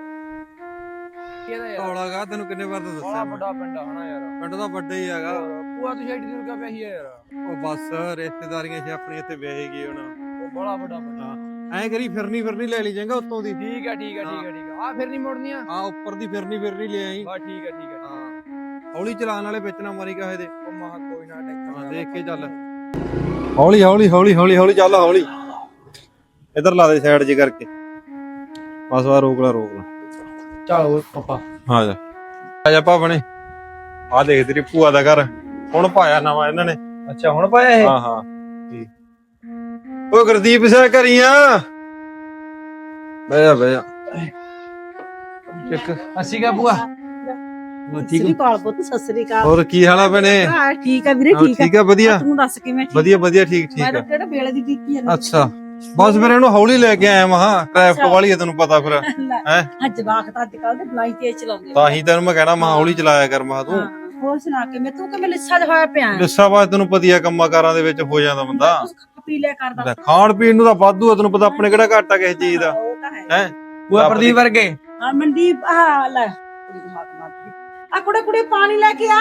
Speaker 7: ਹੌਲਾਗਾ ਤੈਨੂੰ ਕਿੰਨੇ ਵਾਰ ਤਾਂ ਦੱਸਿਆ ਮੈਂ।
Speaker 8: ਵੱਡਾ ਪਿੰਡ ਆ ਹਨਾ ਯਾਰ।
Speaker 7: ਪਿੰਡ ਦਾ ਵੱਡਾ ਹੀ ਹੈਗਾ।
Speaker 8: ਭੂਆ ਤੂੰ ਛੇੜੀ ਦੂਰ ਕਾ ਪਿਆ ਹੀ ਆ ਯਾਰ।
Speaker 7: ਉਹ ਬਸ ਰਿਸ਼ਤੇਦਾਰੀਆਂ ਸੀ ਆਪਣੀ, ਇੱਥੇ ਵਿਆਹੀ ਗਈ ਹੁਣ।
Speaker 8: ਉਹ ਬੜਾ ਵੱਡਾ ਪਿੰਡ ਆ।
Speaker 7: ਐਂ ਕਰੀ ਫਿਰਨੀ ਫਿਰਨੀ ਲੈ ਲਈ ਜਾਏਗਾ ਉੱਤੋਂ ਦੀ।
Speaker 8: ਠੀਕ ਆ ਠੀਕ ਆ ਠੀਕ ਆ ਠੀਕ ਆ। ਆ ਫਿਰ ਨਹੀਂ ਮੁੜਨੀਆਂ।
Speaker 7: ਆ ਉੱਪਰ ਦੀ ਫਿਰਨੀ ਫਿਰਨੀ ਲੈ ਆਈ।
Speaker 8: ਬਸ ਠੀਕ ਆ ਠੀਕ ਆ।
Speaker 7: ਹਾਂ ਹੌਲੀ ਚਲਾਣ ਵਾਲੇ ਵਿੱਚ ਨਾ ਮਾਰੀ ਕਾਹੇ ਦੇ।
Speaker 8: ਉਹ ਮਹਾ ਕੋਈ ਨਾ ਟੈਂਸ਼ਨ।
Speaker 7: ਹਾਂ ਦੇਖ ਕੇ ਚੱਲ, ਹੌਲੀ ਹੌਲੀ ਹੌਲੀ ਹੌਲੀ ਹੌਲੀ ਚੱਲ, ਹੌਲੀ ਇਧਰ ਲਾ ਦੇ ਸਾਈਡ ਜੇ ਕਰਕੇ। ਬਸ ਵਾ ਰੋਕ ਲਾ ਰੋਕ ਲਾ।
Speaker 8: ਚਲੋ ਪਾਪਾ
Speaker 7: ਹਾਂ ਜਾ ਆ ਜਾ ਭਾਵਣੇ। ਆ ਦੇਖ ਤੇਰੀ ਭੂਆ ਦਾ ਘਰ ਹੁਣ ਪਾਇਆ ਨਵਾਂ ਇਹਨਾਂ ਨੇ।
Speaker 8: ਅੱਛਾ ਹੁਣ ਪਾਇਆ ਇਹ?
Speaker 7: ਹਾਂ ਹਾਂ ਉਹ ਗੁਰਦੀਪ ਸਿੰਘ ਘਰੀਆਂ ਬਹਿ ਜਾ ਬਹਿ ਜਾ।
Speaker 8: ਇੱਕ ਅਸੀਂ ਕਾ ਭੂਆ
Speaker 2: ਸਤਿ ਸ੍ਰੀ ਅਕਾਲ ਪੁੱਤ, ਸਤਿ ਸ੍ਰੀ ਅਕਾਲ।
Speaker 7: ਹੋਰ ਕੀ ਹਾਲ ਆ ਭੈਣੇ?
Speaker 2: ਹਾਂ ਠੀਕ ਆ ਵੀਰੇ,
Speaker 7: ਹਾਂ,
Speaker 2: ਠੀਕ ਆ।
Speaker 7: ਠੀਕ ਆ ਵਧੀਆ
Speaker 2: ਤੂੰ ਦੱਸ ਕਿਵੇਂ? ਠੀਕ
Speaker 7: ਵਧੀਆ ਵਧੀਆ ਠੀਕ
Speaker 2: ਮੈਂ
Speaker 7: ਠੀਕ
Speaker 2: ਤਾਂ
Speaker 7: ਆ।
Speaker 2: ਕਿਹੜਾ ਵੇਲੇ ਦੀ ਟਿੱਕੀ ਆ।
Speaker 7: ਅੱਛਾ ਬਸ ਫਿਰ ਇਹਨੂੰ ਹੌਲੀ ਲੈ ਕੇ ਆਇਆ ਮਹਾ, ਟ੍ਰੈਫਿਕ ਵਾਲੀ ਆ ਤੈਨੂੰ ਪਤਾ ਫਿਰ ਹੈ।
Speaker 2: ਅੱਜ ਵਾਕ ਤਾਂ ਅੱਜ ਕੱਲ ਦੇ ਬਲਾਈ ਤੇਜ਼ ਚਲਾਉਂਦੇ ਆ।
Speaker 7: ਤਾਂ ਹੀ ਤੈਨੂੰ ਮੈਂ ਕਹਿਣਾ ਮਹਾ ਹੌਲੀ ਚਲਾਇਆ ਕਰ ਮਹਾ ਤੂੰ।
Speaker 2: ਹਾਂ, ਹੋਰ ਸੁਣਾ ਕੇ ਮੈਂ ਤੂੰ ਕਿਵੇਂ ਲਿੱਸਾ ਜਿਹਾ ਹੋਇਆ ਪਿਆ?
Speaker 7: ਲਿੱਸਾ ਬਾਅਦ ਤੈਨੂੰ ਪਤੀ ਆ ਕੰਮਾਂ ਕਾਰਾਂ ਦੇ ਵਿੱਚ ਹੋ ਜਾਂਦਾ ਬੰਦਾ।
Speaker 2: ਕੁਛ ਖਾ ਪੀ ਲਿਆ ਕਰਦਾ।
Speaker 7: ਲੈ, ਖਾਣ ਪੀਣ ਨੂੰ ਤਾਂ ਵਾਧੂ ਆ, ਤੈਨੂੰ ਪਤਾ ਆਪਣੇ ਕਿਹੜਾ ਘਾਟਾ ਕਿਸੇ ਚੀਜ਼ ਦਾ
Speaker 2: ਉਹ ਤਾਂ ਹੈ।
Speaker 7: ਹੈ।
Speaker 8: ਭੂਆ ਪ੍ਰਦੀਪ ਵਰਗੇ।
Speaker 2: ਹਾਂ ਮਨਦੀਪ ਆ ਲੈ ਕੁੜੀ ਨੂੰ ਹੱਥ ਮਾਰਦੀ ਆ। ਕੁੜੇ ਕੁੜੇ ਪਾਣੀ ਲੈ ਕੇ ਆ।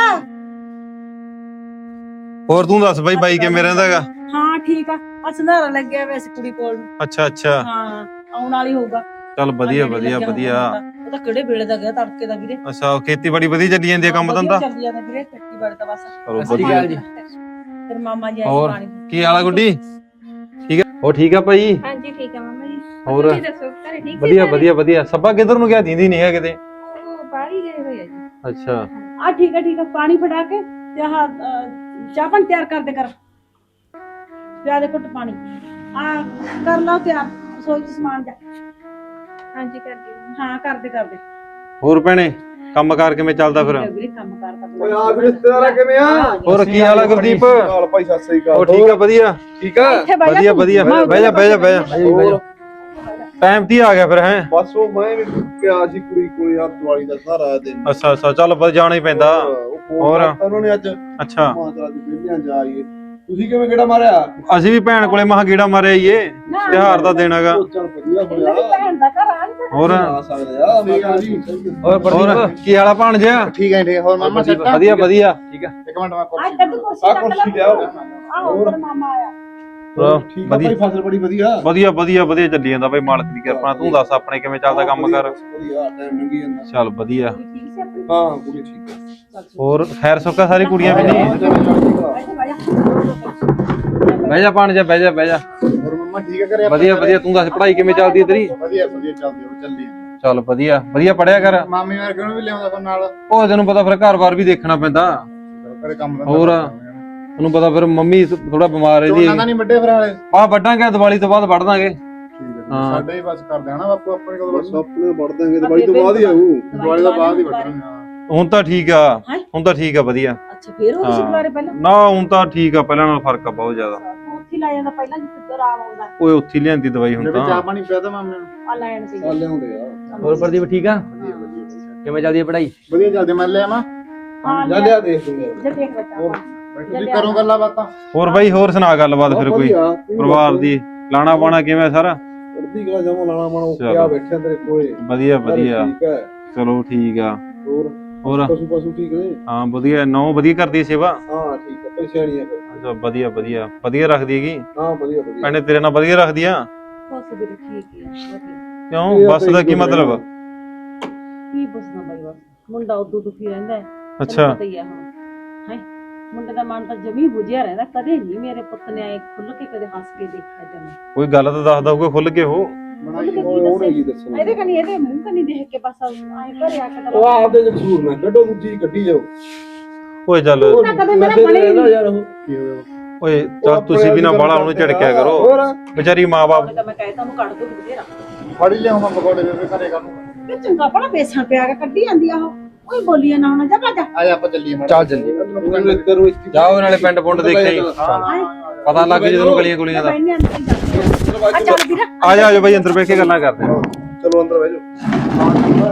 Speaker 7: ਹੋਰ ਤੂੰ ਦੱਸ ਬਾਈ, ਬਾਈ ਕਿਵੇਂ ਰਹਿੰਦਾ ਹੈਗਾ?
Speaker 2: ਹਾਂ ਠੀਕ ਆ। ਆ ਸੰਧਾਰਾ ਲੱਗਿਆ ਵੈਸੇ ਕੁੜੀ ਕੋਲ ਨੂੰ।
Speaker 7: ਅੱਛਾ ਅੱਛਾ
Speaker 2: ਹਾਂ ਆਉਣ ਵਾਲੀ ਹੋਊਗਾ।
Speaker 7: ਚੱਲ ਵਧੀਆ ਵਧੀਆ ਵਧੀਆ।
Speaker 2: ਉਹ ਤਾਂ ਕਿਹੜੇ ਵੇਲੇ ਦਾ ਗਿਆ ਤੜਕੇ ਦਾ ਵੀਰੇ।
Speaker 7: ਅੱਛਾ ਖੇਤੀਬਾੜੀ ਵਧੀਆ ਚੱਲੀ ਜਾਂਦੀ ਹੈ ਕੰਮ ਧੰਦਾ?
Speaker 2: ਚੱਲੀ ਜਾਂਦਾ ਵੀਰੇ ਖੇਤੀਬਾੜੀ ਤਾਂ ਬਸ।
Speaker 7: ਚਲੋ
Speaker 8: ਸਤਿ ਸ਼੍ਰੀ
Speaker 7: ਵਧੀਆ।
Speaker 8: ਅਕਾਲ ਜੀ।
Speaker 2: ਫਿਰ ਮਾਮਾ ਜੀ ਆਏ
Speaker 8: ਹੋਰ?
Speaker 2: ਪਾਣੀ।
Speaker 7: ਕੀ ਹਾਲ ਆ ਗੁੱਡੀ? ਠੀਕ ਆ ਉਹ ਠੀਕ ਆ ਭਾਈ?
Speaker 5: ਹਾਂਜੀ ਠੀਕ ਹੈ ਮਾਮਾ ਜੀ।
Speaker 7: ਹੋਰ?
Speaker 5: ਤੁਸੀਂ ਦੱਸੋ ਘਰੇ ਠੀਕ ਸੀ
Speaker 7: ਵਧੀਆ
Speaker 5: ਸਾਰੇ?
Speaker 7: ਵਧੀਆ ਵਧੀਆ। ਸੱਬਾ ਕਿੱਧਰ ਨੂੰ ਗਿਆ? ਦੀਂਦੀ ਨਹੀਂ ਹੈ ਕਿਤੇ?
Speaker 5: ਉਹ ਬਾਹਰ ਹੀ ਗਏ ਹੋਏ ਆ ਜੀ।
Speaker 7: ਅੱਛਾ
Speaker 2: ਆ ਠੀਕ ਹੈ ਠੀਕ ਹੈ ਪਾਣੀ ਫੜਾ ਕੇ ਤੇ ਆਹ ਅਹ, ਚਾਹ ਪਾਣੀ ਤਿਆਰ ਕਰ ਦੇ ਕਰ। ਪਿਆ ਦੇ ਘੁੱਟ ਪਾਣੀ। ਆ ਕਰ ਲਓ ਤਿਆਰ ਰਸੋਈ ਚ ਸਮਾਨ ਜਾ।
Speaker 5: ਹਾਂਜੀ ਕਰ ਦਿਓ।
Speaker 2: ਹਾਂ ਕਰਦੇ ਕਰਦੇ।
Speaker 7: ਹੋਰ ਭੈਣੇ ਕੰਮ ਕਾਰ ਕਿਵੇਂ ਚੱਲਦਾ ਫਿਰ?
Speaker 2: ਵੀਰੇ ਕੰਮ ਕਾਰ ਤਾਂ
Speaker 1: ਓਏ ਆ ਵੀ ਰਿਸ਼ਤੇਦਾਰਾ ਕਿਵੇਂ ਆ?
Speaker 7: ਹੋਰ ਕੀ ਹਾਲ ਆ ਗੁਰਦੀਪ?
Speaker 1: ਹਾਲ ਭਾਈ ਸਤਿ ਸ੍ਰੀ ਅਕਾਲ।
Speaker 7: ਉਹ ਠੀਕ ਆ ਵਧੀਆ
Speaker 1: ਠੀਕ ਆ?
Speaker 2: ਇੱਥੇ ਬਹਿ ਜਾ
Speaker 7: ਵਧੀਆ
Speaker 2: ਤੂੰ।
Speaker 7: ਵਧੀਆ। ਬਹਿ ਜਾ ਬਹਿ ਜਾ ਬਹਿ ਜਾ।
Speaker 1: ਹੋਰ
Speaker 7: ਟਾਈਮ ਤੇ ਆ ਗਿਆ ਫਿਰ ਹੈ?
Speaker 1: ਬਸ ਉਹ ਮੈਂ ਵੀ ਗਿਆ ਸੀ ਕੁੜੀ ਕੋਲ ਯਾਰ ਦਿਵਾਲੀ ਦਾ ਸਾਰਾ ਦਿਨ।
Speaker 7: ਅੱਛਾ ਅੱਛਾ ਚੱਲ ਬਸ ਜਾਣਾ ਹੀ ਪੈਂਦਾ।
Speaker 1: ਉਹ ਫੋਨ
Speaker 7: ਹੋਰ?
Speaker 1: ਕਰਤਾ ਉਹਨਾਂ ਨੇ ਅੱਜ
Speaker 7: ਅੱਛਾ
Speaker 1: ਮਾਂ ਚਲਾ ਜੀ ਵਿਹਲਿਆਂ ਜਾ ਆਈਏ। ਤੁਸੀਂ ਕਿਵੇਂ ਕਿਹੜਾ ਮਾਰਿਆ?
Speaker 7: ਅਸੀਂ ਵੀ ਭੈਣ ਕੋਲੇ ਮਹਾ ਗੇੜਾ ਮਾਰਿਆ ਈਏ। ਤਿਉਹਾਰ ਦਾ ਦਿਨ ਹੈਗਾ।
Speaker 1: ਉਹ ਚੱਲ ਵਧੀਆ
Speaker 2: ਇਹਨਾਂ ਦੀ
Speaker 1: ਹੋਇਆ।
Speaker 2: ਭੈਣ ਦਾ ਘਰ ਆ ਨੀ।
Speaker 7: ਹੋਰ
Speaker 1: ਆ ਸਕਦੇ ਆ ਮੈਂ ਕਿਹਾ ਜੀ
Speaker 8: ਹੋਰ
Speaker 7: ਹੋਰ
Speaker 8: ਪ੍ਰਦੀਪ?
Speaker 7: ਕੀ ਹਾਲ ਆ ਭਾਣਜਿਆ?
Speaker 3: ਠੀਕ ਹੈ ਠੀਕ। ਹੋਰ ਮਾਮਾ ਸੱਟਾ?
Speaker 7: ਵਧੀਆ ਵਧੀਆ।
Speaker 8: ਠੀਕ ਆ।
Speaker 3: ਇੱਕ ਮਿੰਟ ਮੈਂ
Speaker 2: ਅੱਜ
Speaker 3: ਕੁਰਸੀ
Speaker 2: ਤੱਕ ਕੁਰਸੀ
Speaker 1: ਆ
Speaker 2: ਚੱਕ
Speaker 1: ਕੁਰਸੀ
Speaker 2: ਲੈ।
Speaker 1: ਲਿਆਓ।
Speaker 2: ਆਹੋ ਤੇਰਾ ਮਾਮਾ ਆਇਆ।
Speaker 7: ਹੋਰ
Speaker 1: ਠੀਕ ਆ
Speaker 7: ਵਧੀਆ
Speaker 1: ਭਾਈ ਫਸਲ ਬੜੀ ਵਧੀਆ।
Speaker 7: ਵਧੀਆ ਵਧੀਆ ਵਧੀਆ ਚੱਲੀ ਜਾਂਦਾ ਬਈ ਮਾਲਕ ਦੀ ਕਿਰਪਾ ਨਾਲ। ਤੂੰ ਦੱਸ ਆਪਣੇ ਕਿਵੇਂ ਚੱਲਦਾ ਕੰਮ ਕਰ?
Speaker 1: ਵਧੀਆ ਟਾਈਮ ਲੰਘੀ ਜਾਂਦਾ।
Speaker 7: ਚੱਲ ਵਧੀਆ।
Speaker 2: ਠੀਕ ਸੀ ਆਪਣੀ?
Speaker 1: ਹਾਂ ਕੁੜੀ ਠੀਕ ਆ।
Speaker 2: ਚੱਲ ਠੀਕ।
Speaker 7: ਹੋਰ ਖੈਰ ਸੁੱਕਾ ਸਾਰੀ ਕੁੜੀਆਂ ਵੀ ਨਹੀਂ?
Speaker 2: ਬੈਠ ਜਾ, ਬਹਿ ਜਾ।
Speaker 7: ਬਹਿ ਜਾ ਭਾਣਜਾ ਬਹਿ ਜਾ ਬਹਿ ਜਾ।
Speaker 3: ਹੋਰ ਮੰਮਾ ਠੀਕ ਹੈ ਘਰੇ?
Speaker 7: ਵਧੀਆ ਵਧੀਆ। ਤੂੰ ਦੱਸ ਪੜ੍ਹਾਈ ਕਿਵੇਂ ਚੱਲਦੀ ਹੈ ਤੇਰੀ?
Speaker 3: ਵਧੀਆ ਵਧੀਆ ਚੱਲਦੀ ਉਹ ਚੱਲੀ ਜਾਂਦੀ।
Speaker 7: ਚੱਲ ਵਧੀਆ ਵਧੀਆ ਪੜਿਆ ਕਰ।
Speaker 3: ਮਾਮੀ ਵਰਗੇ ਨੂੰ ਵੀ ਲਿਆਉਂਦਾ ਫਿਰ ਨਾਲ।
Speaker 7: ਉਹ ਤੈਨੂੰ ਪਤਾ ਫਿਰ ਘਰ-ਬਾਰ ਵੀ ਦੇਖਣਾ ਪੈਂਦਾ।
Speaker 3: ਘਰੇ ਕੰਮ ਦਾ
Speaker 7: ਹੋਰ? ਤੈਨੂੰ ਪਤਾ ਫਿਰ ਮੰਮੀ ਥੋੜਾ ਬਿਮਾਰ ਹੈ
Speaker 3: ਝੋਨਾ ਤਾਂ ਨਹੀਂ ਵੱਡੇ ਫਿਰ ਵਾਲੇ?
Speaker 7: ਆ ਵੱਢਾਂਗੇ ਦੀਵਾਲੀ ਤੋਂ ਬਾਅਦ ਵੱਢ ਦਾਂਗੇ।
Speaker 3: ਠੀਕ
Speaker 7: ਹਾਂ।
Speaker 3: ਹੈ ਸਾਡੇ ਹੀ ਬਸ ਕਰਦੇ ਆ ਨਾ ਬਾਪੂ ਆਪਣੇ ਕੋਲ
Speaker 1: ਬਸ ਆਪਣੇ ਵੜ ਦਾਂਗੇ ਦਿਵਾਲੀ ਤੋਂ ਬਾਅਦ ਹੀ ਆਊ।
Speaker 3: ਦਿਵਾਲੀ ਤੋਂ ਬਾਅਦ ਹੀ ਵੱਢਣਾ।
Speaker 7: ਹੁਣ ਤਾਂ ਠੀਕ ਆ ਹੁਣ ਤਾਂ ਠੀਕ ਆ ਵਧੀਆ।
Speaker 2: ਅੱਛਾ ਫੇਰ ਉਹ
Speaker 7: ਹਾਂ।
Speaker 2: ਦੁਬਾਰੇ ਪਹਿਲਾਂ
Speaker 7: ਨਾ ਹੁਣ ਤਾਂ ਠੀਕ ਆ ਪਹਿਲਾਂ ਨਾਲ ਫਰਕ ਆ ਬਹੁਤ ਜ਼ਿਆਦਾ।
Speaker 2: ਉੱਥੇ ਲਾ ਜਾਂਦਾ ਪਹਿਲਾਂ ਜਿੱਥੇ ਆਰਾਮ ਆਉਂਦਾ
Speaker 7: ਓਏ ਉੱਥੇ ਲਿਆਂਦੀ ਦਵਾਈ ਹੁਣ
Speaker 3: ਚਾਹ
Speaker 7: ਤਾਂ।
Speaker 3: ਪਾਣੀ ਪਿਆ ਤਾਂ ਮਾਮੇ ਨੂੰ?
Speaker 2: ਆ ਲੈਣ ਸੀ।
Speaker 1: ਆ ਲਿਆਉਂਦੇ ਆ।
Speaker 8: ਹੋਰ ਪ੍ਰਦੀਪ ਠੀਕ ਆ?
Speaker 3: ਵਧੀਆ ਵਧੀਆ
Speaker 8: ਕਿਵੇਂ ਚੱਲਦੀ ਹੈ ਪੜ੍ਹਾਈ?
Speaker 3: ਵਧੀਆ ਚੱਲਦੇ ਮੈਂ ਲੈ ਆਵਾਂ?
Speaker 2: ਹਾਂ
Speaker 1: ਜਾ ਲਿਆ ਦੇਖ ਦੂੰਗੇ।
Speaker 2: ਜੇ ਦੇਖ ਬੱਚਾ
Speaker 1: ਹੋਰ?
Speaker 3: ਤੁਸੀਂ ਕਰੋ ਗੱਲਾਂ ਬਾਤਾਂ।
Speaker 7: ਹੋਰ ਬਾਈ ਹੋਰ ਸੁਣਾ ਗੱਲਬਾਤ ਫਿਰ ਕੋਈ ਪਰਿਵਾਰ ਦੀ? ਲਾਣਾ ਪਾਣਾ ਕਿਵੇਂ ਸਾਰਾ?
Speaker 1: ਕਰਦੀ ਗਲਾ ਜਮਾ ਲਾਣਾ ਮਾਣਾ
Speaker 7: ਚਲੋ।
Speaker 1: ਉੱਤੇ ਆ ਬੈਠਿਆ ਤੇਰੇ ਕੋਲੇ।
Speaker 7: ਵਧੀਆ ਵਧੀਆ।
Speaker 1: ਠੀਕ ਹੈ।
Speaker 7: ਚਲੋ ਠੀਕ ਆ।
Speaker 1: ਹੋਰ
Speaker 7: ਹੋਰ
Speaker 1: ਪਸ਼ੂ ਪਸ਼ੂ ਠੀਕ ਨੇ?
Speaker 7: ਹਾਂ ਵਧੀਆ। ਨੌ ਵਧੀਆ ਕਰਦੀ ਸੇਵਾ?
Speaker 1: ਹਾਂ ਠੀਕ ਹੈ ਭਾਈ ਸਿਆਣੀ ਆ ਫਿਰ।
Speaker 7: ਅੱਛਾ ਵਧੀਆ ਵਧੀਆ ਵਧੀਆ ਰੱਖਦੀ ਹੈਗੀ
Speaker 1: ਹਾਂ ਵਧੀਆ ਵਧੀਆ।
Speaker 7: ਭੈਣੇ ਤੇਰੇ ਨਾਲ ਵਧੀਆ ਰੱਖਦੀ ਆ?
Speaker 2: ਬਸ ਵੀ ਠੀਕ ਹੀ ਆ ਵਧੀਆ।
Speaker 7: ਕਿਉਂ ਬੱਸ ਦਾ ਕੀ ਮਤਲਬ?
Speaker 2: ਕੀ ਪੁੱਛਣਾ ਬਾਈ ਬਸ ਮੁੰਡਾ ਉਦੋਂ ਦੁਖੀ ਰਹਿੰਦਾ ਹੈ। ਤੈਨੂੰ
Speaker 7: ਅੱਛਾ
Speaker 2: ਪਤਾ ਹੀ ਆ ਹੁਣ ਹੈ ਮੁੰਡੇ ਦਾ ਮਨ ਤਾਂ ਜਮੀ ਬੁਝਿਆ ਰਹਿੰਦਾ। ਕਦੇ ਨਹੀਂ ਮੇਰੇ ਪੁੱਤ ਨੇ ਆਏ ਖੁੱਲ ਕੇ ਕਦੇ ਹੱਸ ਕੇ ਦੇਖਿਆ ਜਮੀ।
Speaker 7: ਕੋਈ ਗੱਲ ਤਾਂ ਦੱਸਦਾ ਹੋਊਗਾ ਖੁੱਲ ਕੇ ਉਹ।
Speaker 3: ਬਣਾਈ
Speaker 1: ਉਹ ਉਹਨੇ ਕੀ ਦੱਸਣਾ?
Speaker 2: ਇਹਦੇ ਕਨੀ ਇਹਦੇ ਮੂੰਹ ਕਨੀ ਦੇਖ ਕੇ ਬਸ ਆਏ ਘਰੇ ਆ ਕੇ ਤਾਂ
Speaker 1: ਉਹ ਆਪਦੇ ਚ ਕਸੂਰ ਨਾ ਕੱਢੋ ਦੂਜੀ ਕੱਢੀ ਜਾਓ।
Speaker 7: ਓਏ ਚੱਲ
Speaker 2: ਉਹ ਤਾਂ ਕਦੇ ਮੇਰਾ ਬਣੇ ਹੀ ਨਹੀਂ।
Speaker 1: ਯਾਰ ਉਹ
Speaker 3: ਕੀ ਹੋਇਆ?
Speaker 7: ਓਏ ਚੱਲ ਤੁਸੀਂ ਵੀ ਨਾ ਬਾਲਾ ਉਹਨੂੰ ਝਿੜਕਿਆ ਕਰੋ।
Speaker 1: ਹੋਰ
Speaker 7: ਵਿਚਾਰੀ ਮਾਂ-ਬਾਪ।
Speaker 2: ਤਾਂ ਮੈਂ ਕਹਿਤਾ ਉਹਨੂੰ ਕੱਢ ਦੋ ਬਥੇਰਾ।
Speaker 3: ਫੜੀ ਲਿਆਵਾਂ ਪਕੌੜੇ ਬੇਬੇ ਘਰੇ ਕਰ ਲੂੰਗਾ।
Speaker 2: ਇਹ ਚੰਗਾ ਭਲਾ ਬੇਸਣ ਪਿਆ ਕੇ ਕੱਢੀ ਜਾਂਦੀ ਆ ਉਹ ਕੋਈ ਬੋਲੀਆਂ ਨਾ ਹੁਣ ਜਾ ਭੱਜ
Speaker 3: ਆ ਜਾ ਆਪਾਂ ਚੱਲੀਏ ਮਾੜਾ।
Speaker 8: ਚੱਲ ਚੱਲੀਏ।
Speaker 1: ਉਹਨੂੰ ਇੱਧਰ ਨੂੰ ਇੱਥੇ
Speaker 7: ਜਾਓ ਨਾਲੇ ਪਿੰਡ ਪੁੰਡ ਦੇਖਿਆ ਹੀ ਪਤਾ ਲੱਗ ਜੇ ਤੈਨੂੰ ਗਲੀਆਂ ਗੁਲੀਆਂ ਦਾ।
Speaker 2: ਬੈਠਨੇ ਅੰਦਰ ਹੀ ਜਾਂਦੇ ਆ ਚੱਲ ਵੀਰ
Speaker 7: ਆ ਜਾ ਆ ਜਾ ਬਾਈ ਅੰਦਰ ਬੈਠ ਕੇ ਗੱਲਾਂ ਕਰਦੇ ਆ।
Speaker 1: ਚਲੋ ਅੰਦਰ ਬਹਿ ਜਾਓ।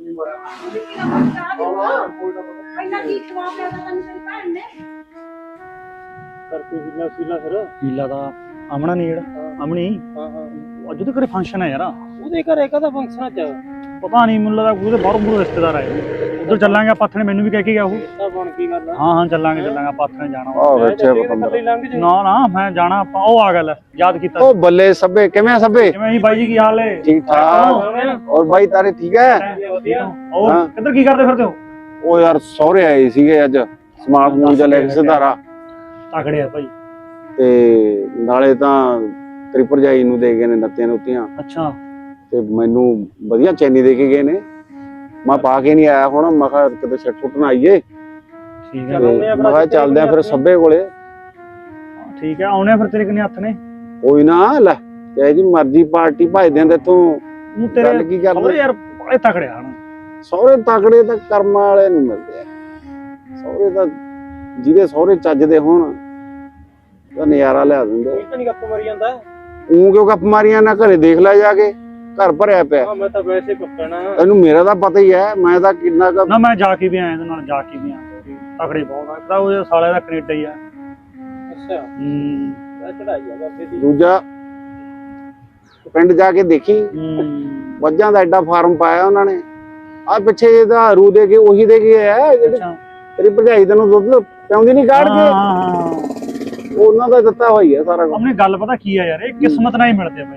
Speaker 2: ਪਹਿਲਾਂ ਕੀ ਖਵਾ ਪਿਆ ਤਾਂ ਤੈਨੂੰ ਤੇਰੀ ਭੈਣ ਨੇ
Speaker 4: ਕਰਕੇ ਵੀਲਾ ਸੀਲਾ ਫਿਰ ਵੀਲਾ ਦਾ ਆਮਣਾ ਨਹੀਂ ਜਿਹੜਾ ਆਮਣੀ
Speaker 1: ਹਾਂ ਹਾਂ
Speaker 4: ਅੱਜ ਉਹਦੇ ਘਰੇ ਫੰਕਸ਼ਨ ਹੈ ਯਾਰ।
Speaker 8: ਉਹਦੇ ਘਰੇ ਕਦਾ ਫੰਕਸ਼ਨ ਚ
Speaker 4: ਪਤਾ ਨਹੀਂ ਮੈਨੂੰ ਲੱਗਦਾ ਉਹਦੇ ਬਾਹਰੋਂ ਬੂਹਰੋਂ ਰਿਸ਼ਤੇਦਾਰ ਆਏ ਉਧਰ ਚੱਲਾਂਗੇ ਆਪਾਂ ਨੇ ਮੈਨੂੰ ਵੀ ਕਹਿ ਕੇ ਗਿਆ ਉਹ।
Speaker 8: ਤਾਂ ਬਣ ਕੀ ਗੱਲ
Speaker 4: ਹਾਂ ਹਾਂ ਚੱਲਾਂਗੇ ਚੱਲਾਂਗੇ ਆਪਾਂ ਨੇ ਜਾਣਾ
Speaker 3: ਆ ਬੈਠੇ
Speaker 8: ਕੱਲੀ ਲੰਘ ਜੇ
Speaker 4: ਨਾ ਨਾ ਮੈਂ ਜਾਣਾ ਆਪਾਂ ਉਹ ਆ ਗੱਲ ਯਾਦ ਕੀਤਾ
Speaker 3: ਉਹ ਬੱਲੇ ਸਭੇ ਕਿਵੇਂ ਆ ਸਭੇ?
Speaker 4: ਕਿਵੇਂ ਜੀ ਬਾਈ ਜੀ ਕੀ ਹਾਲ ਹੈ?
Speaker 3: ਠੀਕ ਠਾਕ। ਔਰ ਬਾਈ ਤਾਰੇ ਠੀਕ ਹੈ?
Speaker 4: ਉਹ
Speaker 3: ਹਾਂ।
Speaker 4: ਕਿੱਧਰ ਕੀ ਕਰਦੇ ਫਿਰਦੇ ਹੋ?
Speaker 3: ਉਹ ਯਾਰ ਸਹੁਰੇ ਆਏ ਸੀਗੇ ਅੱਜ ਸਮਾਨ ਸਮੂਨ ਜਿਹਾ ਲੈ ਕੇ ਸਿਧਾਰਾ
Speaker 4: ਤਕੜੇ ਆ ਭਾਈ।
Speaker 3: ਤੇ ਨਾਲੇ ਤਾਂ ਤੇਰੀ ਭਰਜਾਈ ਨੂੰ ਦੇ ਗਏ ਨੇ ਨੱਤੀਆਂ ਨੁੱਤੀਆਂ
Speaker 4: ਅੱਛਾ
Speaker 3: ਤੇ ਮੈਨੂੰ ਵਧੀਆ ਚੈਨੀ ਦੇ ਕੇ ਗਏ ਨੇ। ਮੈਂ ਪਾ ਕੇ ਨਹੀਂ ਆਇਆ ਹੁਣ ਮੈਂ ਕਿਹਾ ਕਿਤੇ ਛੱਟ ਫੁੱਟ ਨਾ ਆਈਏ।
Speaker 4: ਠੀਕ ਹੈ
Speaker 3: ਤੇ ਮੈਂ ਕਿਹਾ ਚੱਲਦੇ ਆ ਫਿਰ ਸਭੇ ਕੋਲੇ।
Speaker 4: ਠੀਕ ਹੈ ਆਉਣੇ ਆ ਫਿਰ ਤੇਰੇ ਕਿੰਨੇ ਹੱਥ ਨੇ?
Speaker 3: ਕੋਈ ਨਾ ਲੈ ਚਾਹੇ ਜੀ ਮਰਜ਼ੀ ਪਾਰਟੀ ਭਜਦੇ ਤੇ ਤੂੰ
Speaker 4: ਉਹ
Speaker 3: ਗੱਲ
Speaker 4: ਤੇਰੇ
Speaker 3: ਕੀ
Speaker 4: ਸਹੁਰੇ
Speaker 3: ਕਰਦੇ?
Speaker 4: ਯਾਰ ਬੜੇ ਤਕੜੇ ਹਨ।
Speaker 3: ਸਹੁਰੇ ਤਕੜੇ ਤਾਂ ਕਰਮਾਂ ਵਾਲੇ ਨੂੰ ਮਿਲਦੇ ਆ। ਸਹੁਰੇ ਤਾਂ ਜਿਹਦੇ ਸਹੁਰੇ ਚੱਜਦੇ ਹੋਣ ਤਾਂ ਨਜ਼ਾਰਾ ਲਿਆ ਦਿੰਦੇ।
Speaker 8: ਕੋਈ ਤਾਂ ਨਹੀਂ ਗੱਪ ਮਾਰੀ ਜਾਂਦਾ।
Speaker 3: ਉਹ ਕਿਉਂ ਗੱਪ ਮਾਰੀਆਂ ਨਾ ਘਰੇ ਦੇਖ ਲੈ ਜਾ ਕੇ ਘਰ ਭਰਿਆ ਪਿਆ।
Speaker 8: ਹਾਂ ਮੈਂ ਤਾਂ ਵੈਸੇ ਕੱਪਣਾ
Speaker 3: ਤੈਨੂੰ ਮੇਰਾ ਤਾਂ ਪਤਾ ਹੀ ਹੈ ਮੈਂ ਤਾਂ ਕਿੰਨਾ ਕੁ
Speaker 4: ਨਾ ਮੈਂ ਜਾ ਕੇ ਵੀ ਆਇਆ ਇਹਦੇ ਨਾਲ ਜਾ ਕੇ ਵੀ ਆਇਆ ਤਕੜੇ ਬਹੁਤ ਆ। ਇੱਕ ਤਾਂ ਉਹ ਸਾਲੇ ਦਾ ਕੈਨੇਡਾ ਹੀ ਆ।
Speaker 8: ਅੱਛਾ
Speaker 4: ਹੂੰ
Speaker 8: ਮੈਂ ਚੜਾਈ ਆ ਬਾਬੇ ਦੀ।
Speaker 3: ਦੂਜਾ ਪਿੰਡ ਜਾ ਕੇ ਦੇਖੀ
Speaker 4: ਹੂੰ
Speaker 3: ਮੱਝਾਂ ਦਾ ਐਡਾ ਫਾਰਮ ਪਾਇਆ ਉਹਨਾਂ ਨੇ। ਆ ਪਿੱਛੇ ਜਿਹਦਾ ਰੂ ਦੇ ਕੇ ਉਹੀ ਦੇ ਕੇ ਆਇਆ ਜਿਹੜੇ
Speaker 4: ਅੱਛਾ
Speaker 3: ਤੇਰੀ ਭਰਜਾਈ ਤੈਨੂੰ ਦੁੱਧ ਪਿਆਉਂਦੀ ਨਹੀਂ ਕਾੜ
Speaker 4: ਹਾਂ
Speaker 3: ਕੇ
Speaker 4: ਹਾਂ ਹਾਂ
Speaker 3: ਉਹਨਾਂ ਦਾ ਦਿੱਤਾ ਹੋਈ ਹੈ ਸਾਰਾ ਕੁਝ।
Speaker 4: ਆਪਣੇ ਗੱਲ ਪਤਾ ਕੀ ਆ ਯਾਰ ਇਹ ਕਿਸਮਤ ਨਾਲ ਹੀ ਮਿਲਦੇ ਆ ਬਾਈ।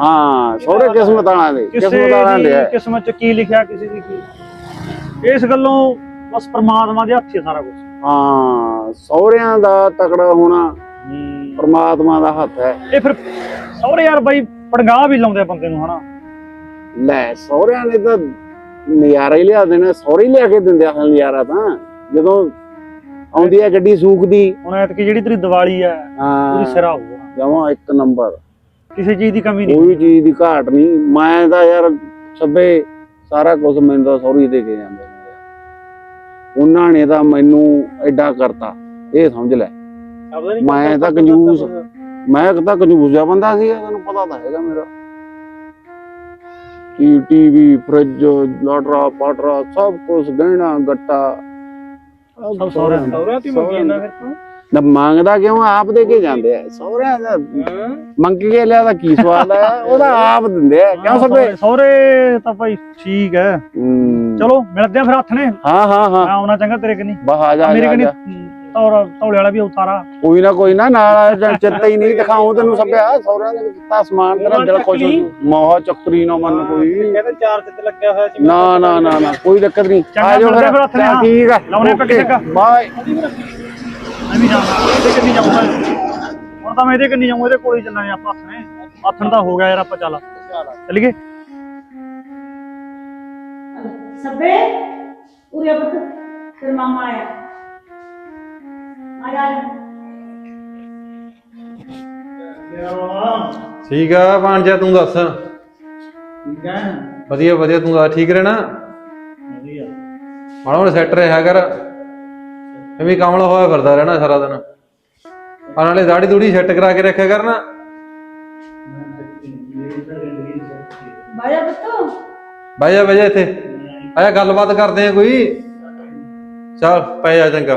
Speaker 3: ਹਾਂ ਸਹੁਰੇ ਕਿਸਮਤ ਵਾਲਾ ਦੇ
Speaker 4: ਕਿਸੇ
Speaker 3: ਕਿਸਮਤ ਵਾਲਾ
Speaker 4: ਦੀ
Speaker 3: ਦੇ ਹੈ।
Speaker 4: ਕਿਸਮਤ ਚ ਕੀ ਲਿਖਿਆ ਕਿਸੇ ਦੀ ਕੀ ਇਸ ਗੱਲੋਂ ਬਸ ਪ੍ਰਮਾਤਮਾ ਦੇ ਹੱਥ 'ਚ ਸਾਰਾ ਕੁਝ
Speaker 3: ਹਾਂ ਸਹੁਰਿਆਂ ਦਾ ਤਕੜਾ ਹੋਣਾ ਪ੍ਰਮਾਤਮਾ ਦਾ ਹੱਥ ਹੈ।
Speaker 4: ਇਹ ਫਿਰ ਸਹੁਰੇ ਯਾਰ ਬਾਈ ਪੜਗਾਹ ਵੀ ਲਾਉਂਦੇ ਆ ਬੰਦੇ ਨੂੰ ਹਨਾ।
Speaker 3: ਲੈ ਸਹੁਰਿਆਂ ਨੇ ਤਾਂ ਨਜ਼ਾਰਾ ਹੀ ਲਿਆ ਦੇਣਾ, ਸਹੁਰੇ ਹੀ ਲਿਆ ਕੇ ਦਿੰਦੇ ਆ ਨਜ਼ਾਰਾ ਤਾਂ ਜਦੋਂ ਆਉਂਦੀ ਹੈ ਗੱਡੀ ਸੂਖ ਦੀ।
Speaker 4: ਹੁਣ ਐਤਕੀ ਜਿਹੜੀ ਤੇਰੀ ਦੀਵਾਲੀ ਹੈ
Speaker 3: ਹਾਂ
Speaker 4: ਉਹਦੀ ਸਿਰਾ ਹੋਊਗਾ,
Speaker 3: ਜਮਾਂ ਇੱਕ ਨੰਬਰ,
Speaker 4: ਕਿਸੇ ਚੀਜ਼ ਦੀ ਕਮੀ ਨਹੀਂ।
Speaker 3: ਕੋਈ ਚੀਜ਼ ਦੀ ਘਾਟ ਨਹੀਂ। ਮੈਂ ਤਾਂ ਯਾਰ ਸਭੇ ਸਾਰਾ ਕੁਝ ਮੈਨੂੰ ਤਾਂ ਸਹੁਰੇ ਦੇ ਕੇ ਜਾਂਦੇ ਨੇ ਯਾਰ। ਉਹਨਾਂ ਨੇ ਤਾਂ ਮੈਨੂੰ ਐਡਾ ਕਰਤਾ, ਇਹ ਸਮਝ ਲੈ। ਮੈਂ ਤਾਂ ਕੰਜੂਸ ਮੈਂ ਤਾਂ ਕੰਜੂਸ ਜਿਹਾ ਬੰਦਾ ਸੀ, ਤੈਨੂੰ ਪਤਾ ਤਾਂ ਹੈਗਾ ਮੇਰਾ। ਕੀ ਟੀਵੀ ਫਰਿੱਜ ਲਾਟਰਾ ਪਾਟਰਾ ਸਭ ਕੁਝ ਗਹਿਣਾ ਗੱਟਾ
Speaker 4: ਸਭ ਸਹੁਰਿਆਂ ਦਾ।
Speaker 8: ਸਹੁਰਿਆਂ ਦੀ ਮੰਗੀ ਜਾਂਦਾ ਫਿਰ ਤੂੰ
Speaker 3: ਨਾ ਮੰਗਦਾ ਕਿਉਂ, ਆਪ ਦੇ ਕੇ ਜਾਂਦੇ ਆ ਸਹੁਰਿਆਂ ਦਾ। ਮੰਗ ਕੇ ਲਿਆ ਤਾਂ ਕੀ ਸਵਾਦ ਹੈ, ਉਹਦਾ ਆਪ ਦਿੰਦੇ ਆ ਕਿਉਂ ਸਭੇ।
Speaker 4: ਸਹੁਰੇ ਤਾਂ ਭਾਈ ਠੀਕ ਹੈ,
Speaker 3: ਹੂੰ।
Speaker 4: ਚਲੋ ਮਿਲਦੇ ਆ ਫਿਰ ਹੱਥ ਨੇ।
Speaker 3: ਹਾਂ ਹਾਂ ਹਾਂ
Speaker 4: ਮੈਂ ਆਉਣਾ ਚੰਗਾ ਤੇਰੇ ਕਨੀ,
Speaker 3: ਬਸ ਆ ਜਾ ਆ
Speaker 4: ਮੇਰੇ
Speaker 3: ਜਾ, ਆ
Speaker 4: ਕਨੀ
Speaker 3: ਜਾ।
Speaker 4: ਤੌਰ ਤੌਲੇ ਵਾਲਾ ਵੀ ਉਤਾਰਾ।
Speaker 3: ਕੋਈ ਨਾ ਕੋਈ ਨਾ ਨਾਲ ਚਿੱਤਾ ਹੀ ਨਹੀਂ ਦਿਖਾਉ ਤੈਨੂੰ ਸਭਿਆ। ਸਹੁਰਿਆਂ ਦੇ ਦਿੱਤਾ ਸਮਾਨ ਤੇਰਾ ਦਿਲ ਖੁਸ਼ ਹੋ ਜੂ। ਮੋਹ ਚੱਕਰੀ ਨਾ ਮੰਨ ਕੋਈ।
Speaker 8: ਕਹਿੰਦੇ ਚਾਰ ਤੇ ਲੱਗਿਆ ਹੋਇਆ ਸੀ।
Speaker 3: ਨਾ ਨਾ ਨਾ ਨਾ ਕੋਈ ਦਿੱਕਤ ਨਹੀਂ।
Speaker 4: ਚੰਗਾ,
Speaker 3: ਆ ਜਾਓ
Speaker 4: ਮਿਲਦੇ
Speaker 3: ਫਿਰ
Speaker 4: ਫਿਰ ਹੱਥ ਨੇ,
Speaker 3: ਚੱਲ
Speaker 4: ਹਾਂ।
Speaker 3: ਠੀਕ ਆ
Speaker 4: ਲਾਉਣੇ ਪੱਕੇ ਚੰਗਾ।
Speaker 3: ਬਾਏ।
Speaker 4: ਮੈਂ ਵੀ ਜਾਣਾ, ਇਹਦੇ ਕੰਨੀ ਜਾਊਂਗਾ ਹੁਣ ਤਾਂ। ਮੈਂ ਇਹਦੇ ਕੰਨੀ ਜਾਊਂਗਾ, ਇਹਦੇ ਕੋਲ ਹੀ ਚੱਲਾਂਗੇ ਆਪਾਂ ਹੱਥ ਨੇ। ਹੱਥਣ ਦਾ ਹੋ ਗਿਆ ਯਾਰ, ਆਪਾਂ ਚੱਲ ਚੱਲੀਏ।
Speaker 2: ਸਭੇ ਉਰੇ ਪੁੱਤ, ਤੇਰਾ ਮਾਮਾ ਆਇਆ। ਆ ਜਾ
Speaker 7: ਠੀਕ ਆ ਭਾਂਜਾ, ਤੂੰ ਦੱਸ।
Speaker 4: ਠੀਕ ਹੈ
Speaker 7: ਵਧੀਆ ਵਧੀਆ, ਤੂੰ ਦੱਸ ਠੀਕ ਰਹਿਣਾ।
Speaker 4: ਵਧੀਆ।
Speaker 7: ਮਾੜਾ ਮੋੜਾ ਸੈੱਟ ਰਿਹਾ ਕਰ, ਐਵੇਂ ਕਮਲਾ ਹੋਇਆ ਫਿਰਦਾ ਰਹਿਣਾ ਸਾਰਾ ਦਿਨ। ਆ ਨਾਲੇ ਦਾੜੀ ਦੂੜੀ ਸੈੱਟ ਕਰਾ ਕੇ ਰੱਖਿਆ ਕਰਨਾ।
Speaker 2: ਬਾਇਆ ਪੁੱਤ,
Speaker 7: ਬਹਿ ਜਾ ਬਹਿ ਜਾ ਇੱਥੇ, ਆਇਆ ਗੱਲਬਾਤ ਕਰਦੇ ਆ ਕੋਈ। ਚੱਲ ਪੈ ਜਾ ਚੰਗਾ।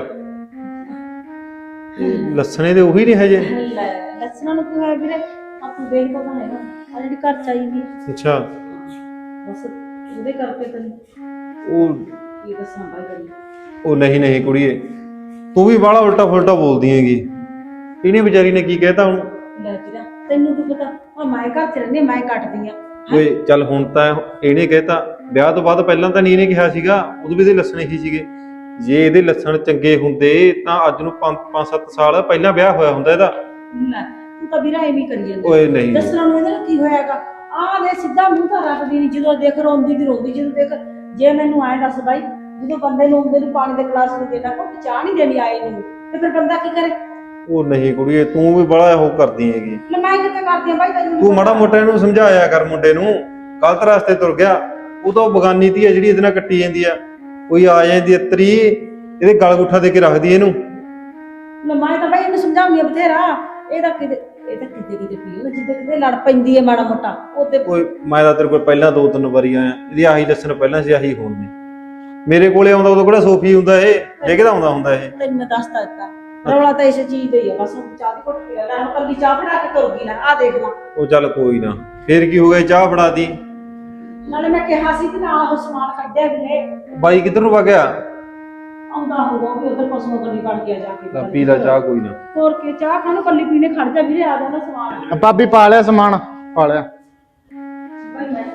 Speaker 7: ਇਹ ਲੱਸਣੇ ਦੇ ਉਹੀ ਨਹੀਂ ਹਜੇ।
Speaker 2: ਲੈ ਲੱਸਣਾਂ ਨੂੰ ਕੀ ਹੋਇਆ ਵੀਰੇ, ਆਪਾਂ ਦੇਖਦਾ ਤਾਂ ਹੈਗਾ ਆ ਜਿਹੜੀ ਘਰ ਚਾਹੀਦੀ
Speaker 7: ਅੱਛਾ,
Speaker 2: ਬਸ ਉਹਦੇ ਕਰਕੇ ਤੈਨੂੰ
Speaker 7: ਉਹ
Speaker 2: ਕੀ ਦੱਸਾਂ ਬਾਈ ਕਰੀ।
Speaker 7: ਉਹ ਨਹੀਂ ਨਹੀਂ ਕੁੜੀਏ, ਤੂੰ ਵੀ ਬਾਹਲਾ ਉਲਟਾ ਫੁਲਟਾ ਬੋਲਦੀ ਹੈਗੀ। ਇਹਨੇ ਵਿਚਾਰੀ ਨੇ ਕੀ ਕਹਿਤਾ ਹੁਣ?
Speaker 2: ਲੈ ਵੀਰਾ ਤੈਨੂੰ ਕੀ ਪਤਾ, ਆ ਮੈਂ ਘਰ ਚ ਰਹਿੰਦੀ, ਮੈਂ ਕੱਟਦੀ ਆ।
Speaker 7: ਓਏ ਚੱਲ ਹੁਣ ਤਾਂ ਇਹਨੇ ਕਹਿਤਾ, ਵਿਆਹ ਤੋਂ ਬਾਅਦ ਪਹਿਲਾਂ ਤਾਂ ਨਹੀਂ ਇਹਨੇ ਕਿਹਾ ਸੀਗਾ, ਉਦੋਂ ਵੀ ਇਹਦੇ ਲੱਛਣ ਹੀ ਸੀਗੇ। ਜੇ ਇਹਦੇ ਲੱਛਣ ਚੰਗੇ ਹੁੰਦੇ ਤਾਂ ਅੱਜ ਨੂੰ ਪੰਜ ਸੱਤ ਸਾਲ ਪਹਿਲਾਂ ਵਿਆਹ ਹੋਇਆ ਹੁੰਦਾ ਇਹਦਾ।
Speaker 2: ਲੈ ਤੂੰ ਤਾਂ ਵੀਰਾ ਐਵੇਂ ਕਰੀ ਜਾਂਦਾ।
Speaker 7: ਓਏ ਨਹੀਂ
Speaker 2: ਦੱਸਣਾ ਨੂੰ ਇਹਦੇ ਨਾਲ ਕੀ ਹੋਇਆਗਾ, ਆਹ ਦੇ ਸਿੱਧਾ ਮੂੰਹ ਤਾਂ ਰੱਖਦੀ ਨਹੀਂ, ਜਦੋਂ ਦੇਖ ਰੋਂਦੀ ਦੀ ਰੋਂਦੀ। ਜਦੋਂ ਦੇਖ, ਜੇ ਮੈਨੂੰ ਐਂ ਦੱਸ ਬਾਈ, ਜਦੋਂ ਬੰਦੇ ਨੂੰ ਉਹਦੇ ਨੂੰ ਪਾਣੀ ਦੇ ਗਲਾਸ ਨੂੰ ਦੇਣਾ, ਘੁੱਟ ਚਾਹ ਨਹੀਂ ਦੇਣੀ ਆਏ ਨੂੰ, ਤੇ ਫਿਰ ਬੰਦਾ ਕੀ ਕਰੇ?
Speaker 7: ਉਹ ਨਹੀਂ ਕੁੜੀਏ, ਤੂੰ ਵੀ ਬੜਾ ਉਹ ਕਰਦੀ ਹੈਗੀ।
Speaker 2: ਲੈ ਮੈਂ ਕਿੱਥੇ ਕਰਦੀ ਆ ਬਾਈ, ਤੈਨੂੰ
Speaker 7: ਤੂੰ ਮਾੜਾ ਮੋਟਾ ਇਹਨੂੰ ਸਮਝਾਇਆ ਕਰ, ਮੁੰਡੇ ਨੂੰ ਗਲਤ ਰਸਤੇ ਤੁਰ ਗਿਆ। ਉਹ ਤਾਂ ਬਗਾਨੀ ਧੀ ਆ ਜਿਹੜੀ ਇਹਦੇ ਨਾਲ ਕੱਟੀ ਜਾਂਦੀ ਆ। ਕੋਈ ਆ ਜਾਂਦੀ ਅਤਰੀ, ਇਹਦੇ ਗਲ ਗੁੱਠਾ ਦੇ ਕੇ ਰੱਖਦੀ ਇਹਨੂੰ।
Speaker 2: ਲੈ ਮੈਂ ਤਾਂ ਬਾਈ ਇਹਨੂੰ ਸਮਝਾਉਂਦੀ ਆ ਬਥੇਰਾ, ਇਹ ਤਾਂ ਕਿਤੇ ਇਹ ਤਾਂ ਕਿਤੇ ਕਿਤੇ ਪੀਓ, ਜਿੱਦੇ ਕਿਤੇ ਲੜ ਪੈਂਦੀ ਹੈ ਮਾੜਾ ਮੋਟਾ ਉਹਦੇ।
Speaker 7: ਓਏ ਮੈਂ ਤਾਂ ਤੇਰੇ ਕੋਲ ਪਹਿਲਾਂ ਦੋ ਤਿੰਨ ਵਾਰੀ ਆਇਆ, ਇਹਦੀ ਆਹੀ ਲੱਛਣ ਪਹਿਲਾਂ ਸੀ, ਆਹੀ ਹੁਣ ਨੇ। ਮੇਰੇ ਕੋਲੇ ਆਉਂਦਾ ਉਦੋਂ ਕਿਹੜਾ ਸੋਫੀ ਹੁੰਦਾ ਇਹ, ਜੇ ਕਿਹਦਾ ਆਉਂਦਾ ਹੁੰਦਾ ਇਹ।
Speaker 2: ਤੈਨੂੰ ਮੈਂ ਦੱਸਤਾ ਦਿੱਤਾ, ਰੌਲਾ ਤਾਂ ਇਸ ਚੀਜ਼ ਦਾ ਹੀ ਆ ਬਸ। ਚਾਹ ਦੀ ਘੁੱਟ ਪੀ ਲੈ, ਹੁਣ ਕੱਲੀ ਚਾਹ ਬਣਾ ਕੇ ਤੁਰ ਗਈ ਨਾ, ਆ ਦੇਖ ਲਾ।
Speaker 7: ਉਹ ਚੱਲ ਕੋਈ ਨਾ, ਫੇਰ ਕੀ ਹੋ ਗਿਆ, ਚਾਹ ਫੜਾ ਦੀ।
Speaker 2: ਨਾਲੇ ਮੈਂ ਕਿਹਾ ਸੀ ਕਿ ਨਾ ਉਹ ਸਮਾਨ ਕੱਢਿਆ ਵੀ ਨੇ।
Speaker 7: ਬਾਈ ਕਿੱਧਰ ਨੂੰ ਵਗ ਗਿਆ?
Speaker 2: ਆਉਂਦਾ ਹੋਊਗਾ ਵੀ ਉਧਰ ਪਸ਼ੂਆਂ ਕੰਨੀ ਕੱਢ ਗਿਆ ਜਾ ਕੇ।
Speaker 7: ਲੈ ਪੀ ਲੈ ਚਾਹ, ਕੋਈ ਨਾ।
Speaker 2: ਹੋਰ ਕੀ, ਚਾਹ ਖਾਣੋਂ ਕੱਲੀ ਪੀਣੇ ਖੜ ਜਾ ਵੀਰੇ, ਆ ਜਾਂਦਾ ਸਮਾਨ।
Speaker 3: ਭਾਬੀ ਪਾ ਲਿਆ ਸਮਾਨ, ਪਾ ਲਿਆ।
Speaker 2: ਬਾਈ ਮੈਂ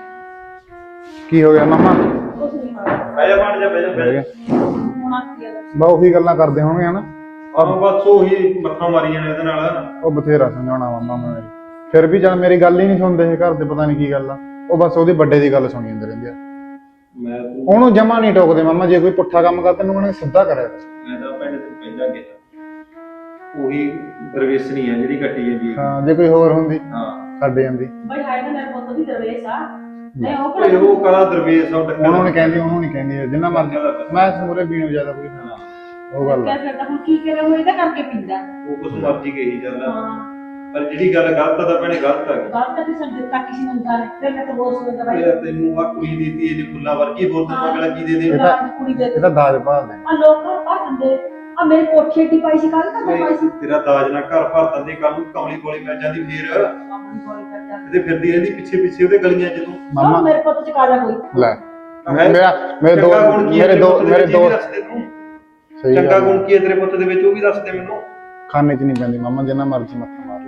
Speaker 3: ਕੀ ਹੋ ਗਿਆ ਮਾਮਾ?
Speaker 2: ਕੁਛ ਨਹੀਂ ਖਾਇਆ,
Speaker 7: ਬਹਿ ਜਾ ਬਣ ਜਾ, ਬਹਿ ਜਾ ਬਹਿ ਜਾ।
Speaker 2: ਹੁਣ ਆ ਕੀ ਆ ਦੱਸ।
Speaker 3: ਬਾ ਉਹੀ ਗੱਲਾਂ ਕਰਦੇ ਹੋਣਗੇ ਹਨਾ।
Speaker 7: ਆਹ ਬਸ ਉਹੀ ਮੱਥਾ ਮਾਰੀ ਜਾਣੇ ਇਹਦੇ ਨਾਲ।
Speaker 3: ਉਹ ਬਥੇਰਾ ਸਮਝਾਉਣਾ ਮਾਮਾ ਮੈਂ ਮੇਰੀ, ਫਿਰ ਵੀ ਜਦ ਮੇਰੀ ਗੱਲ ਹੀ ਨਹੀਂ ਸੁਣਦੇ ਇਹ ਘਰ ਦੇ, ਪਤਾ ਨਹੀਂ ਕੀ ਗੱਲ ਆ। ਉਹ ਬਸ ਉਹਦੀ ਵੱਡੇ ਦੀ ਗੱਲ ਸੁਣੀ ਜਾਂਦੇ ਰਹਿੰਦੇ ਆ।
Speaker 7: ਮੈਂ
Speaker 3: ਉਹਨੂੰ ਜਮਾ ਨਹੀਂ ਟੋਕਦੇ ਮਾਮਾ, ਜੇ ਕੋਈ ਪੁੱਠਾ ਕੰਮ ਕਰਦਾ ਤੈਨੂੰ ਉਹਨੇ ਸਿੱਧਾ ਕਰਿਆ।
Speaker 7: ਮੈਂ ਤਾਂ ਪਿੰਡ ਤੋਂ ਪਹਿਲਾਂ ਗਿਆ, ਉਹੀ ਦਰਵੇਸ਼ਣੀ ਆ ਜਿਹੜੀ ਕੱਟੀ ਜਾਂਦੀ ਹੈ।
Speaker 3: ਹਾਂ ਜੇ ਕੋਈ ਹੋਰ ਹੁੰਦੀ
Speaker 7: ਹਾਂ
Speaker 3: ਛੱਡ ਜਾਂਦੀ।
Speaker 2: ਬਾਈ ਹਾਏ ਨਾ ਮੇਰੇ ਪੁੱਤ ਦੀ ਦਰਵੇਸ਼ ਆ। ਨਹੀਂ ਉਹ
Speaker 7: ਓਏ
Speaker 2: ਕਿਹੜਾ
Speaker 7: ਉਹ ਕਲਾ ਦਰਵੇਸ਼ ਆ ਟੱਕਰ।
Speaker 3: ਉਹਨੂੰ ਨਹੀਂ ਕਹਿੰਦੀ, ਉਹਨੂੰ ਨਹੀਂ ਕਹਿੰਦੀ, ਜਿੰਨਾ ਮਰਜ਼ੀ ਮੈਂ ਸਮੂਰੇ ਪੀਣੋਂ ਜ਼ਿਆਦਾ ਕੋਈ
Speaker 7: ਹਾਂ,
Speaker 3: ਉਹ ਗੱਲ ਆ।
Speaker 2: ਕਹਿ ਸਕਦਾ, ਹੁਣ ਕੀ ਕਰੇ, ਉਹ ਇਹਦਾ ਕਰਕੇ ਪੀਂਦਾ।
Speaker 7: ਉਹ ਕੁਛ ਮਰਜ਼ੀ ਕਹੀ ਚੱਲਦਾ,
Speaker 2: ਹਾਂ
Speaker 7: ਪਰ ਜਿਹੜੀ ਗੱਲ ਗਲਤ ਆ ਤਾਂ ਭੈਣੇ ਗਲਤ ਆ।
Speaker 2: ਗੱਲ ਤਾਂ ਕਿਸੇ ਨੇ ਦਿੱਤਾ, ਕਿਸੇ ਨੂੰ ਦਿੱਤਾ ਨਹੀਂ, ਫਿਰ ਮੈਂ ਤਾਂ ਬਹੁਤ ਸੋਚਦਾ ਬਾਈ।
Speaker 7: ਯਾਰ ਤੈਨੂੰ ਆ ਕੁੜੀ ਦਿੱਤੀ ਇਹਨੇ ਫੁੱਲਾਂ ਵਰਗੀ, ਹੋਰ ਤੈਨੂੰ ਅਗਲਾ ਕੀ ਦੇ ਦੇ?
Speaker 3: ਇਹ ਤਾਂ-
Speaker 2: ਕੁੜੀ ਦੇ
Speaker 3: ਇਹ ਤਾਂ ਦਾਜ ਭਾਲਦੇ
Speaker 2: ਆ ਲੋਕ ਘਰ ਭਰ ਦਿੰਦੇ ਆ। ਮੇਰੇ ਕੋਠੀ ਏਡੀ ਪਾਈ ਸੀ, ਕੱਲ ਤਾਂ ਪਾਈ ਸੀ।
Speaker 7: ਤੇਰਾ ਦਾਜ ਨਾਲ ਘਰ ਭਰ ਦਿੰਦੇ, ਕੱਲ ਨੂੰ ਕਮਲੀ ਕੋਲੀ ਪੈ ਜਾਂਦੀ, ਫੇਰ
Speaker 2: ਆਪਣੀ ਕੋਲ ਕਰ ਜਾ।
Speaker 7: ਇਹਦੇ ਫਿਰਦੀ ਰਹਿੰਦੀ ਪਿੱਛੇ ਪਿੱਛੇ ਉਹਦੇ ਗਲੀਆਂ ਚ। ਤੂੰ
Speaker 3: ਮਾਮਾ
Speaker 2: ਮੇਰੇ ਪੁੱਤ ਚ ਕਾਜਾ ਕੋਈ
Speaker 3: ਲੈ ਮੇਰਾ ਮੇਰੇ ਦੋ
Speaker 7: ਚੰਗਾ ਗੁਣ ਕੀ ਹੈ
Speaker 3: ਮੇਰੇ
Speaker 7: ਤੇਰੇ
Speaker 3: ਦੋ
Speaker 7: ਪੁੱਤ ਦੇ
Speaker 3: ਮੇਰੇ
Speaker 7: ਵਿੱਚ,
Speaker 3: ਦੋ
Speaker 7: ਇਹ ਵੀ ਦੱਸ ਦੇ ਤੂੰ।
Speaker 3: ਸਹੀ
Speaker 7: ਚੰਗਾ
Speaker 3: ਗੱਲ
Speaker 7: ਗੁਣ ਕੀ ਹੈ ਤੇਰੇ ਪੁੱਤ ਦੇ ਵਿੱਚ, ਉਹ ਵੀ ਦੱਸ ਦੇ ਮੈਨੂੰ।
Speaker 3: ਖਾਣੇ ਚ ਨਹੀਂ ਪੈਂਦੀ ਮਾਮਾ, ਜਿੰਨਾ ਮਰਜ਼ੀ ਮੱਥਾ ਮਾਰ ਲਾ।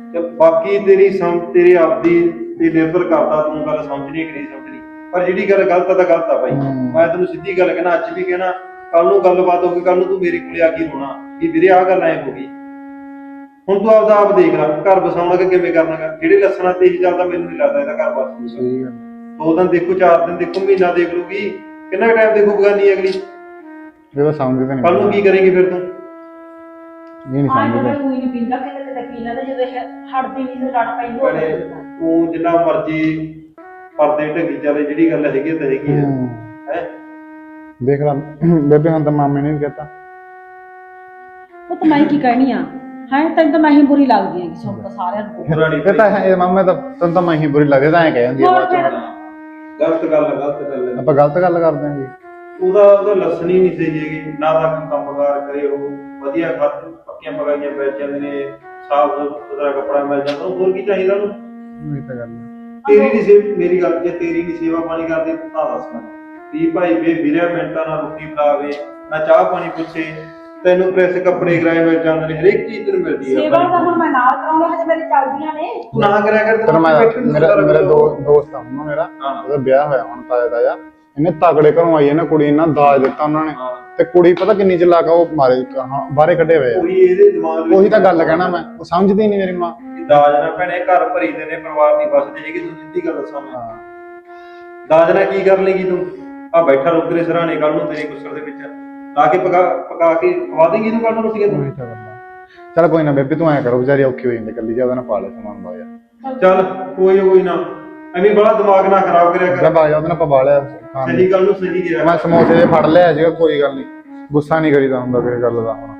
Speaker 7: ਚੱਲ ਬਾਕੀ ਤੇਰੀ ਸਮਝ ਤੇਰੀ ਆਪਦੀ ਤੇ ਨਿਰਭਰ ਕਰਦਾ ਤੂੰ ਗੱਲ ਸਮਝਣੀ ਕਿ ਨਹੀਂ ਸਮਝਣੀ, ਪਰ ਜਿਹੜੀ ਗੱਲ ਗਲਤ ਆ ਤਾਂ ਗਲਤ ਆ ਬਾਈ। ਮੈਂ ਤੈਨੂੰ ਸਿੱਧੀ ਗੱਲ ਕਹਿਣਾ, ਅੱਜ ਵੀ ਕਹਿਣਾ, ਕੱਲ ਨੂੰ ਗੱਲਬਾਤ ਹੋ ਗਈ, ਕੱਲ ਨੂੰ ਤੂੰ ਮੇਰੇ ਕੋਲੇ ਆ ਕੇ ਰੋਣਾ ਵੀ ਵੀਰੇ ਆਹ ਗੱਲ ਐ ਹੋ ਗਈ। ਹੁਣ ਤੂੰ ਆਪਦਾ ਆਪ ਦੇਖ ਲੈ, ਘਰ ਬਸਾਉਣਾ ਕਿ ਕਿਵੇਂ ਕਰਨਾਗਾ। ਜਿਹੜੇ ਲੱਛਣਾਂ ਤੇ ਹੀ ਚੱਲਦਾ ਮੈਨੂੰ ਨਹੀਂ ਲੱਗਦਾ ਇਹਦਾ ਘਰ ਬਸ
Speaker 9: ਸਹੀ ਗੱਲ
Speaker 7: ਦੋ ਦਿਨ ਦੇਖੋ, ਚਾਰ ਦਿਨ ਦੇਖੋ, ਮਹੀਨਾ ਦੇਖ ਲੂਗੀ, ਕਿੰਨਾ ਟਾਈਮ ਦੇਖੂ ਬਗਾਨੀ ਅਗਲੀ।
Speaker 9: ਜਦੋਂ ਸਮਝਦੇ ਨਹੀਂ
Speaker 7: ਕੱਲ ਨੂੰ ਕੀ ਕਰੇਂਗੀ ਫਿਰ ਤੂੰ?
Speaker 9: ਇਹ ਨਹੀਂ
Speaker 2: ਆਹ
Speaker 9: ਸਮਝਦੇ।
Speaker 2: ਕੋਈ ਨਹੀਂ ਪੀਂਦਾ ਕਿਤੇ ਕਿਤੇ ਪੀ ਲੈਂਦਾ, ਜਦੋਂ ਇਹ ਹਟਦੀ ਨਹੀਂ ਤੇ ਲੜ ਪੈਂਦੀ ਉਹ
Speaker 7: ਭੈਣੇ, ਤੂੰ ਜਿੰਨਾ ਮਰਜ਼ੀ ਪਰਦੇ ਢੱਕੀ ਚੱਲੇ, ਜਿਹੜੀ ਗੱਲ ਹੈਗੀ ਆ ਤਾਂ ਹੈਗੀ ਆ
Speaker 9: ਹੂੰ।
Speaker 7: ਹੈ।
Speaker 9: ਦੇਖ ਲਾ ਬੇਬੇ ਹੁਣ ਤਾਂ ਮਾਮੇ ਨੇ ਵੀ ਕਹਿਤਾ।
Speaker 2: ਉਹ ਤਾਂ ਮੈਂ ਕੀ ਕਹਿਣੀ ਆ ਹੈ, ਤੈਨੂੰ ਤਾਂ ਮੈਂ ਹੀ ਬੁਰੀ ਲੱਗਦੀ ਆ ਕਿ ਸੁਣ ਤਾਂ ਸਾਰਿਆਂ ਨੂੰ।
Speaker 7: ਪੁਰਾਣੀ
Speaker 9: ਇਹ ਤਾਂ ਇਹ ਮਾਮੇ ਤਾਂ ਤੈਨੂੰ ਤਾਂ ਮੈਂ ਹੀ ਬੁਰੀ ਲੱਗਦੀ, ਤਾਂ ਐਂ ਕਹਿ ਜਾਂਦੀ ਆ ਬਾਅਦ ਚੋਂ।
Speaker 7: ਗਲਤ ਗੱਲ ਆ, ਗਲਤ ਗੱਲ ਆ।
Speaker 9: ਆਪਾਂ ਗਲਤ ਗੱਲ ਕਰਦੇ ਆਂ ਜੀ।
Speaker 7: ਉਹਦਾ ਉਹਦਾ ਲੱਛਣ ਹੀ ਨਹੀਂ ਸਹੀ ਹੈਗੀ, ਨਾ ਤਾਂ ਕੋਈ ਕੰਮਕਾਰ ਕਰੇ, ਉਹ ਵਧੀਆ ਖਰਚ ਪੱਕੀਆਂ ਪਕਾਈਆਂ ਪੈ ਜਾਂਦੇ ਨੇ, ਸਾਫ ਸੁਥਰਾ ਕੱਪੜਾ ਮਿਲ ਜਾਂਦਾ, ਉਹ ਹੋਰ ਕੀ ਚਾਹੀਦਾ ਉਹਨੂੰ?
Speaker 9: ਇਹ ਤਾਂ ਗੱਲ ਆ।
Speaker 7: ਤੇਰੀ ਨਹੀਂ ਸੇਵਾ, ਮੇਰੀ ਗੱਲ ਜੇ ਤੇਰੀ ਨਹੀਂ ਸੇਵਾ ਪਾਣੀ ਕਰਦੇ ਤਾਂ ਦੱਸ ਮੈਂ ਵੀ ਭਾਈ ਵੇ ਵੀਰੇ ਮਿੰਟਾਂ ਨਾਲ ਰੋਟੀ ਬਣਾਵੇ, ਨਾ ਚਾਹ ਪਾਣੀ ਪੁੱਛੇ, ਤੈਨੂੰ ਪ੍ਰੈਸ ਕੱਪੜੇ ਕਿਰਾਏ ਮਿਲ ਜਾਂਦੇ ਨੇ, ਹਰੇਕ ਚੀਜ਼ ਤੈਨੂੰ ਮਿਲਦੀ ਹੈ।
Speaker 2: ਸੇਵਾ ਤਾਂ ਹੁਣ ਮੈਂ ਨਾਲ ਕਰਾਉਂਗਾ, ਹਜੇ ਮੇਰੀ ਚੱਲਦੀਆਂ ਨੇ।
Speaker 7: ਤੂੰ ਨਾ ਕਰਿਆ ਕਰ,
Speaker 9: ਪਰ ਮੈਂ ਮੇਰਾ ਮੇਰਾ ਦੋ ਦੋਸਤ ਆ ਹੁਣ ਮੇਰਾ, ਉਹਦਾ ਵਿਆਹ ਹੋਇਆ ਹੁਣ ਤਾਇਆ ਦਾ, ਇਹਨੇ ਤਗੜੇ ਘਰੋਂ ਆਈ ਹੈ ਨਾ ਕੁੜੀ, ਇਹਨਾਂ ਦਾਜ ਦਿੱਤਾ ਉਹਨਾਂ ਨੇ, ਤੇ ਕੁੜੀ ਪਤਾ ਕਿੰਨੀ ਚਲਾਕ ਆ, ਉਹ ਮਾਰੇ ਬਾਹਰੇ ਕੱਢੇ ਹੋਏ ਆ।
Speaker 7: ਉਹੀ ਇਹਦੇ ਦਿਮਾਗ ਵਿੱਚ
Speaker 9: ਉਹੀ ਤਾਂ ਗੱਲ ਕਹਿਣਾ ਮੈਂ, ਉਹ ਸਮਝਦੀ ਨਹੀਂ ਮੇਰੀ ਮਾਂ।
Speaker 7: ਦਾਜ ਨਾਲ ਭੈਣੇ ਘਰ ਭਰੀਦੇ ਨੇ, ਪਰਿਵਾਰ ਦੀ ਬਸਦੇ ਹੈਗੀ। ਤੂੰ ਸਿੱਧੀ ਗੱਲ ਦੱਸਾਂ ਮੈਂ, ਦਾਜ ਨਾਲ ਕੀ ਕਰ ਲੇਗੀ ਤੂੰ? ਆ ਬੈਠਾ ਰੁਕ ਤੇਰੇ ਸਰਾਣੇ, ਕੱਲ ਨੂੰ ਤੇਰੇ ਗੁੱਸਰ ਦੇ ਵਿੱਚ ਲਾ ਕੇ ਪਕਾ ਪਕਾ ਕੇ ਖਵਾ ਦੇਂਗੀ ਤੂੰ ਕੱਲ ਨੂੰ ਰੋਟੀਆਂ ਤੂੰ।
Speaker 9: ਉਹੀ ਤਾਂ ਗੱਲ ਆ। ਚੱਲ ਕੋਈ ਨਾ ਬੇਬੇ, ਤੂੰ ਐਂ ਕਰੋ, ਵਿਚਾਰੀ ਔਖੀ ਹੋ ਜਾਂਦੀ ਕੱਲੀ, ਜਿਆਦਾ ਨਾ ਪਾ ਲੈ ਸਮਾਨ ਬਾਇਆ।
Speaker 7: ਚੱਲ ਕੋਈ ਕੋਈ ਨਾ, ਐਵੇਂ ਬੜਾ ਦਿਮਾਗ ਨਾ ਖਰਾਬ ਕਰਿਆ ਕਰ।
Speaker 9: ਜਦ ਆ ਜਾ ਉਹਦੇ ਨਾਲ ਪਵਾ ਲਿਆ ਖਾਣ
Speaker 7: ਸਹੀ ਗੱਲ ਨੂੰ ਸਹੀ ਗਿਆ।
Speaker 9: ਮੈਂ ਸਮੋਸੇ ਜੇ ਫੜ ਲਿਆ ਸੀਗਾ, ਕੋਈ ਗੱਲ ਨਹੀਂ, ਗੁੱਸਾ ਨਹੀਂ ਕਰੀਦਾ ਹੁੰਦਾ ਕਿਸੇ ਗੱਲ ਦਾ। ਹੁਣ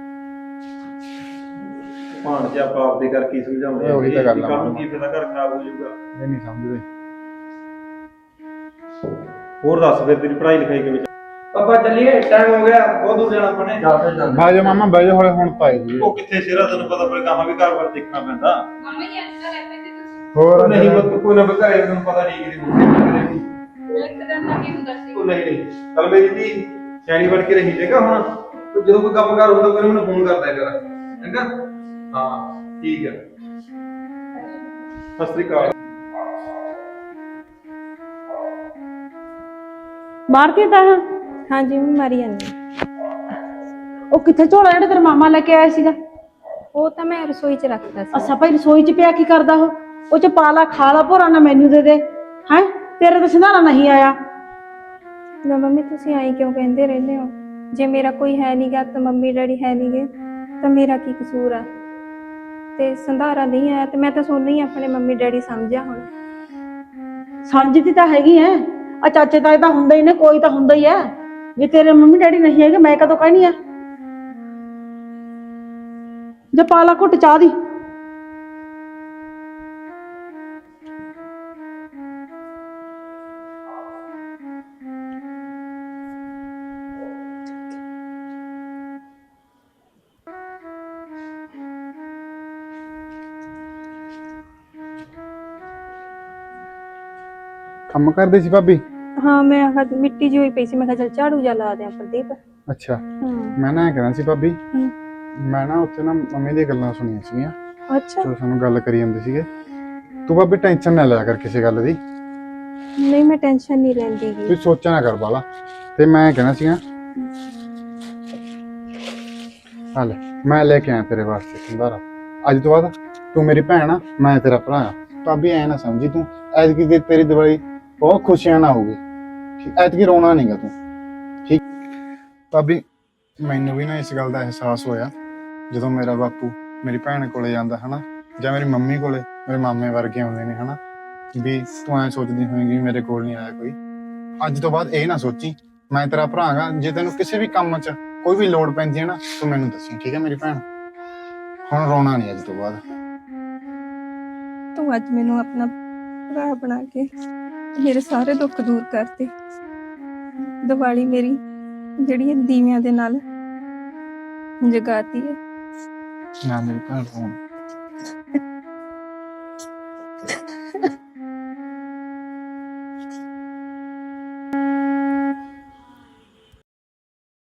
Speaker 7: ਭਾਣ ਜੇ ਆਪਾਂ ਆਪਦੇ ਕਰ ਕੀ ਸਮਝਾਉਂਦੇ
Speaker 9: ਉਹੀ ਤਾਂ ਗੱਲ ਆ।
Speaker 7: ਕੱਲ ਨੂੰ ਕੀ ਪਤਾ ਘਰ ਖਰਾਬ ਹੋ ਜਾਊਗਾ।
Speaker 9: ਇਹ ਨਹੀਂ ਸਮਝਦੇ।
Speaker 7: ਹੋਰ ਦੱਸ ਫਿਰ ਤੇਰੀ ਪੜ੍ਹਾਈ ਲਿਖਾਈ ਕਿਵੇਂ ਚੱਲ?
Speaker 8: ਪਾਪਾ ਚੱਲੀਏ, ਟਾਈਮ ਹੋ ਗਿਆ, ਬਹੁਤ ਦੂਰ ਜਾਣਾ ਆਪਾਂ ਨੇ।
Speaker 9: ਬਹਿ ਜਾ ਮਾਮਾ, ਬਹਿ ਜਾ, ਹੌਲੇ ਹੁਣ ਪਾਏ ਜੀ।
Speaker 7: ਉਹ ਕਿੱਥੇ ਸ਼ੇਰਾ, ਤੈਨੂੰ ਪਤਾ ਫਿਰ ਕਹਾਂ ਵੀ ਘਰ ਬਾਰ ਦੇਖਣਾ ਪੈਂਦਾ।
Speaker 9: ਹੋਰ
Speaker 7: ਨਹੀਂ ਬਸ ਕੋਈ ਨਾ ਬਕਾਏ, ਤੈਨੂੰ ਪਤਾ ਨਹੀਂ ਕਿਹਦੀ ਮੁੰਡੇ ਕਰੇਗੀ। ਉਹ ਨਹੀਂ ਨਹੀਂ ਚੱਲ ਮੇਰੀ ਦੀ ਸਿਆਣੀ ਬਣ ਕੇ ਰਹੀ ਜੇਗਾ। ਹੁਣ ਤੂੰ ਜਦੋਂ ਕੋਈ ਕੰਮ ਕਾਰ ਹੁੰਦਾ ਕੋਈ ਮੈਨੂੰ ਫੋਨ ਕਰਦਾ ਕਰ, ਚੰਗਾ? ਹਾਂ ਠੀਕ ਹੈ, ਸਤਿ ਸ੍ਰੀ ਅਕਾਲ।
Speaker 2: ਮਾਰਤੀ ਤਾਂ
Speaker 5: ਹਾਂਜੀ ਮੈਂ ਮਾਰੀ ਜਾਂਦੀ।
Speaker 2: ਉਹ ਕਿੱਥੇ ਝੋਲਾ ਜਿਹੜਾ ਤੇਰਾ ਮਾਮਾ ਲੈ ਕੇ ਆਇਆ ਸੀਗਾ?
Speaker 5: ਉਹ ਤਾਂ ਮੈਂ ਰਸੋਈ 'ਚ ਰੱਖਦਾ ਸੀ।
Speaker 2: ਅੱਛਾ ਭਾਈ, ਰਸੋਈ 'ਚ ਪਿਆ ਕੀ ਕਰਦਾ ਉਹ? ਉਹ 'ਚ ਪਾ ਲਾ, ਖਾ ਲਾ, ਭੋਰਾ ਨਾ ਮੈਨੂੰ ਦੇ ਦੇ। ਹੈ ਤੇਰੇ ਤਾਂ ਸੰਧਾਰਾ ਨਹੀਂ ਆਇਆ।
Speaker 5: ਨਾ ਮੰਮੀ, ਤੁਸੀਂ ਆਈ ਕਿਉਂ ਕਹਿੰਦੇ ਰਹਿੰਦੇ ਹੋ? ਜੇ ਮੇਰਾ ਕੋਈ ਹੈ ਨਹੀਂਗਾ ਤਾਂ ਮੰਮੀ ਡੈਡੀ ਹੈ ਨਹੀਂਗੇ ਤਾਂ ਮੇਰਾ ਕੀ ਕਸੂਰ ਆ? ਤੇ ਸੰਧਾਰਾ ਨਹੀਂ ਆਇਆ ਤੇ ਮੈਂ ਤਾਂ ਸੋਨੀ ਹੀ ਆਪਣੇ ਮੰਮੀ ਡੈਡੀ ਸਮਝਿਆ। ਹੁਣ
Speaker 2: ਸਮਝਦੀ ਤਾਂ ਹੈਗੀ ਐ, ਆ ਚਾਚੇ ਤਾਏ ਤਾਂ ਹੁੰਦਾ ਹੀ ਨੇ, ਕੋਈ ਤਾਂ ਹੁੰਦਾ ਹੀ ਐ। ਜੇ ਤੇਰੇ ਮੰਮੀ ਡੈਡੀ ਨਹੀਂ ਹੈਗੇ, ਮੈਂ ਕਦੋਂ ਕਹਿਣੀ ਆ? ਜੇ ਪਾ ਲਾ ਘੁੱਟ ਚਾਹ ਦੀ।
Speaker 9: ਕੰਮ ਕਰਦੀ ਸੀ ਭਾਬੀ?
Speaker 5: ਹਾਂ, ਮੈਂ ਆਹ ਮਿੱਟੀ ਜਿਹੀ ਹੋਈ ਪਈ ਸੀ, ਮੈਂ ਕਿਹਾ ਚੱਲ ਝਾੜੂ ਜਾ ਲਾ ਦਿਆਂ ਪ੍ਰਦੀਪ।
Speaker 9: ਅੱਛਾ,
Speaker 5: ਹਾਂ।
Speaker 9: ਮੈਂ ਨਾ ਇਹ ਕਹਿਣਾ ਸੀ ਭਾਬੀ,
Speaker 5: ਹਮ।
Speaker 9: ਮੈਂ ਨਾ ਉੱਥੇ ਨਾ ਮੰਮੀ ਦੀਆਂ ਗੱਲਾਂ ਸੁਣੀਆਂ ਸੀਗੀਆਂ,
Speaker 5: ਅੱਛਾ।
Speaker 9: ਜੋ ਸਾਨੂੰ ਗੱਲ ਕਰੀ ਜਾਂਦੇ ਸੀਗੇ। ਤੂੰ ਭਾਬੀ ਟੈਨਸ਼ਨ ਨਾ ਲਿਆ ਕਰ ਕਿਸੇ ਗੱਲ ਦੀ।
Speaker 5: ਨਹੀਂ, ਮੈਂ ਟੈਨਸ਼ਨ ਨਹੀਂ ਲੈਂਦੀ ਗੀ।
Speaker 9: ਤੂੰ ਸੋਚਿਆ ਨਾ ਕਰ ਬਾਲਾ। ਤੇ ਮੈਂ ਕਹਿਣਾ ਸੀਗਾ, ਆ ਲੈ ਮੈਂ ਲੈ ਕੇ ਆਇਆ ਤੇਰੇ ਵਾਸਤੇ ਸੰਧਾਰਾ। ਅੱਜ ਤੋਂ ਬਾਅਦ ਤੂੰ ਮੇਰੀ ਭੈਣ ਆ, ਮੈਂ ਤੇਰਾ ਭਰਾ ਆ। ਭਾਬੀ ਐ ਨਾ ਸਮਝੀ ਤੂੰ ਐਤਕੀ ਤੇ ਤੇਰੀ ਦਿਵਾਲੀ ਬਹੁਤ ਖੁਸ਼ੀਆਂ ਨਾਲ ਹੋਊਗੀ, ਠੀਕ? ਐਤਕੀ ਰੋਣਾ ਨਹੀਂਗਾ ਤੂੰ, ਠੀਕ? ਭਾਬੀ ਮੈਨੂੰ ਵੀ ਨਾ ਇਸ ਗੱਲ ਦਾ ਅਹਿਸਾਸ ਹੋਇਆ ਜਦੋਂ ਮੇਰਾ ਬਾਪੂ ਮੇਰੀ ਭੈਣ ਕੋਲੇ ਜਾਂਦਾ ਹਨਾ, ਜਾਂ ਮੇਰੀ ਮੰਮੀ ਕੋਲੇ ਮੇਰੇ ਮਾਮੇ ਵਰਗੇ ਆਉਂਦੇ ਨੇ ਹਨਾ, ਵੀ ਤੂੰ ਐ ਸੋਚਦੀ ਹੋਏਗੀ ਮੇਰੇ ਕੋਲ ਨਹੀਂ ਆਇਆ ਕੋਈ। ਅੱਜ ਤੋਂ ਬਾਅਦ ਇਹ ਨਾ ਸੋਚੀ, ਮੈਂ ਤੇਰਾ ਭਰਾ ਗਾ। ਜੇ ਤੈਨੂੰ ਕਿਸੇ ਵੀ ਕੰਮ 'ਚ ਕੋਈ ਵੀ ਲੋੜ ਪੈਂਦੀ ਹੈ ਨਾ, ਤੂੰ ਮੈਨੂੰ ਦੱਸੀ, ਠੀਕ ਹੈ ਮੇਰੀ ਭੈਣ? ਹੁਣ ਰੋਣਾ ਨਹੀਂ ਅੱਜ ਤੋਂ ਬਾਅਦ।
Speaker 5: ਤੂੰ ਅੱਜ ਮੈਨੂੰ ਆਪਣਾ ਭਰਾ ਬਣਾ ਕੇ ਮੇਰੇ ਸਾਰੇ ਦੁੱਖ ਦੂਰ ਕਰਤੇ। ਦੀਵਾਲੀ ਮੇਰੀ ਜਿਹੜੀ ਦੀਵਿਆਂ ਦੇ ਨਾਲ ਜਗਾਤੀ ਹੈ।
Speaker 9: ਨਾ ਮੇਰੀ ਭੈਣ ਰੋਣ।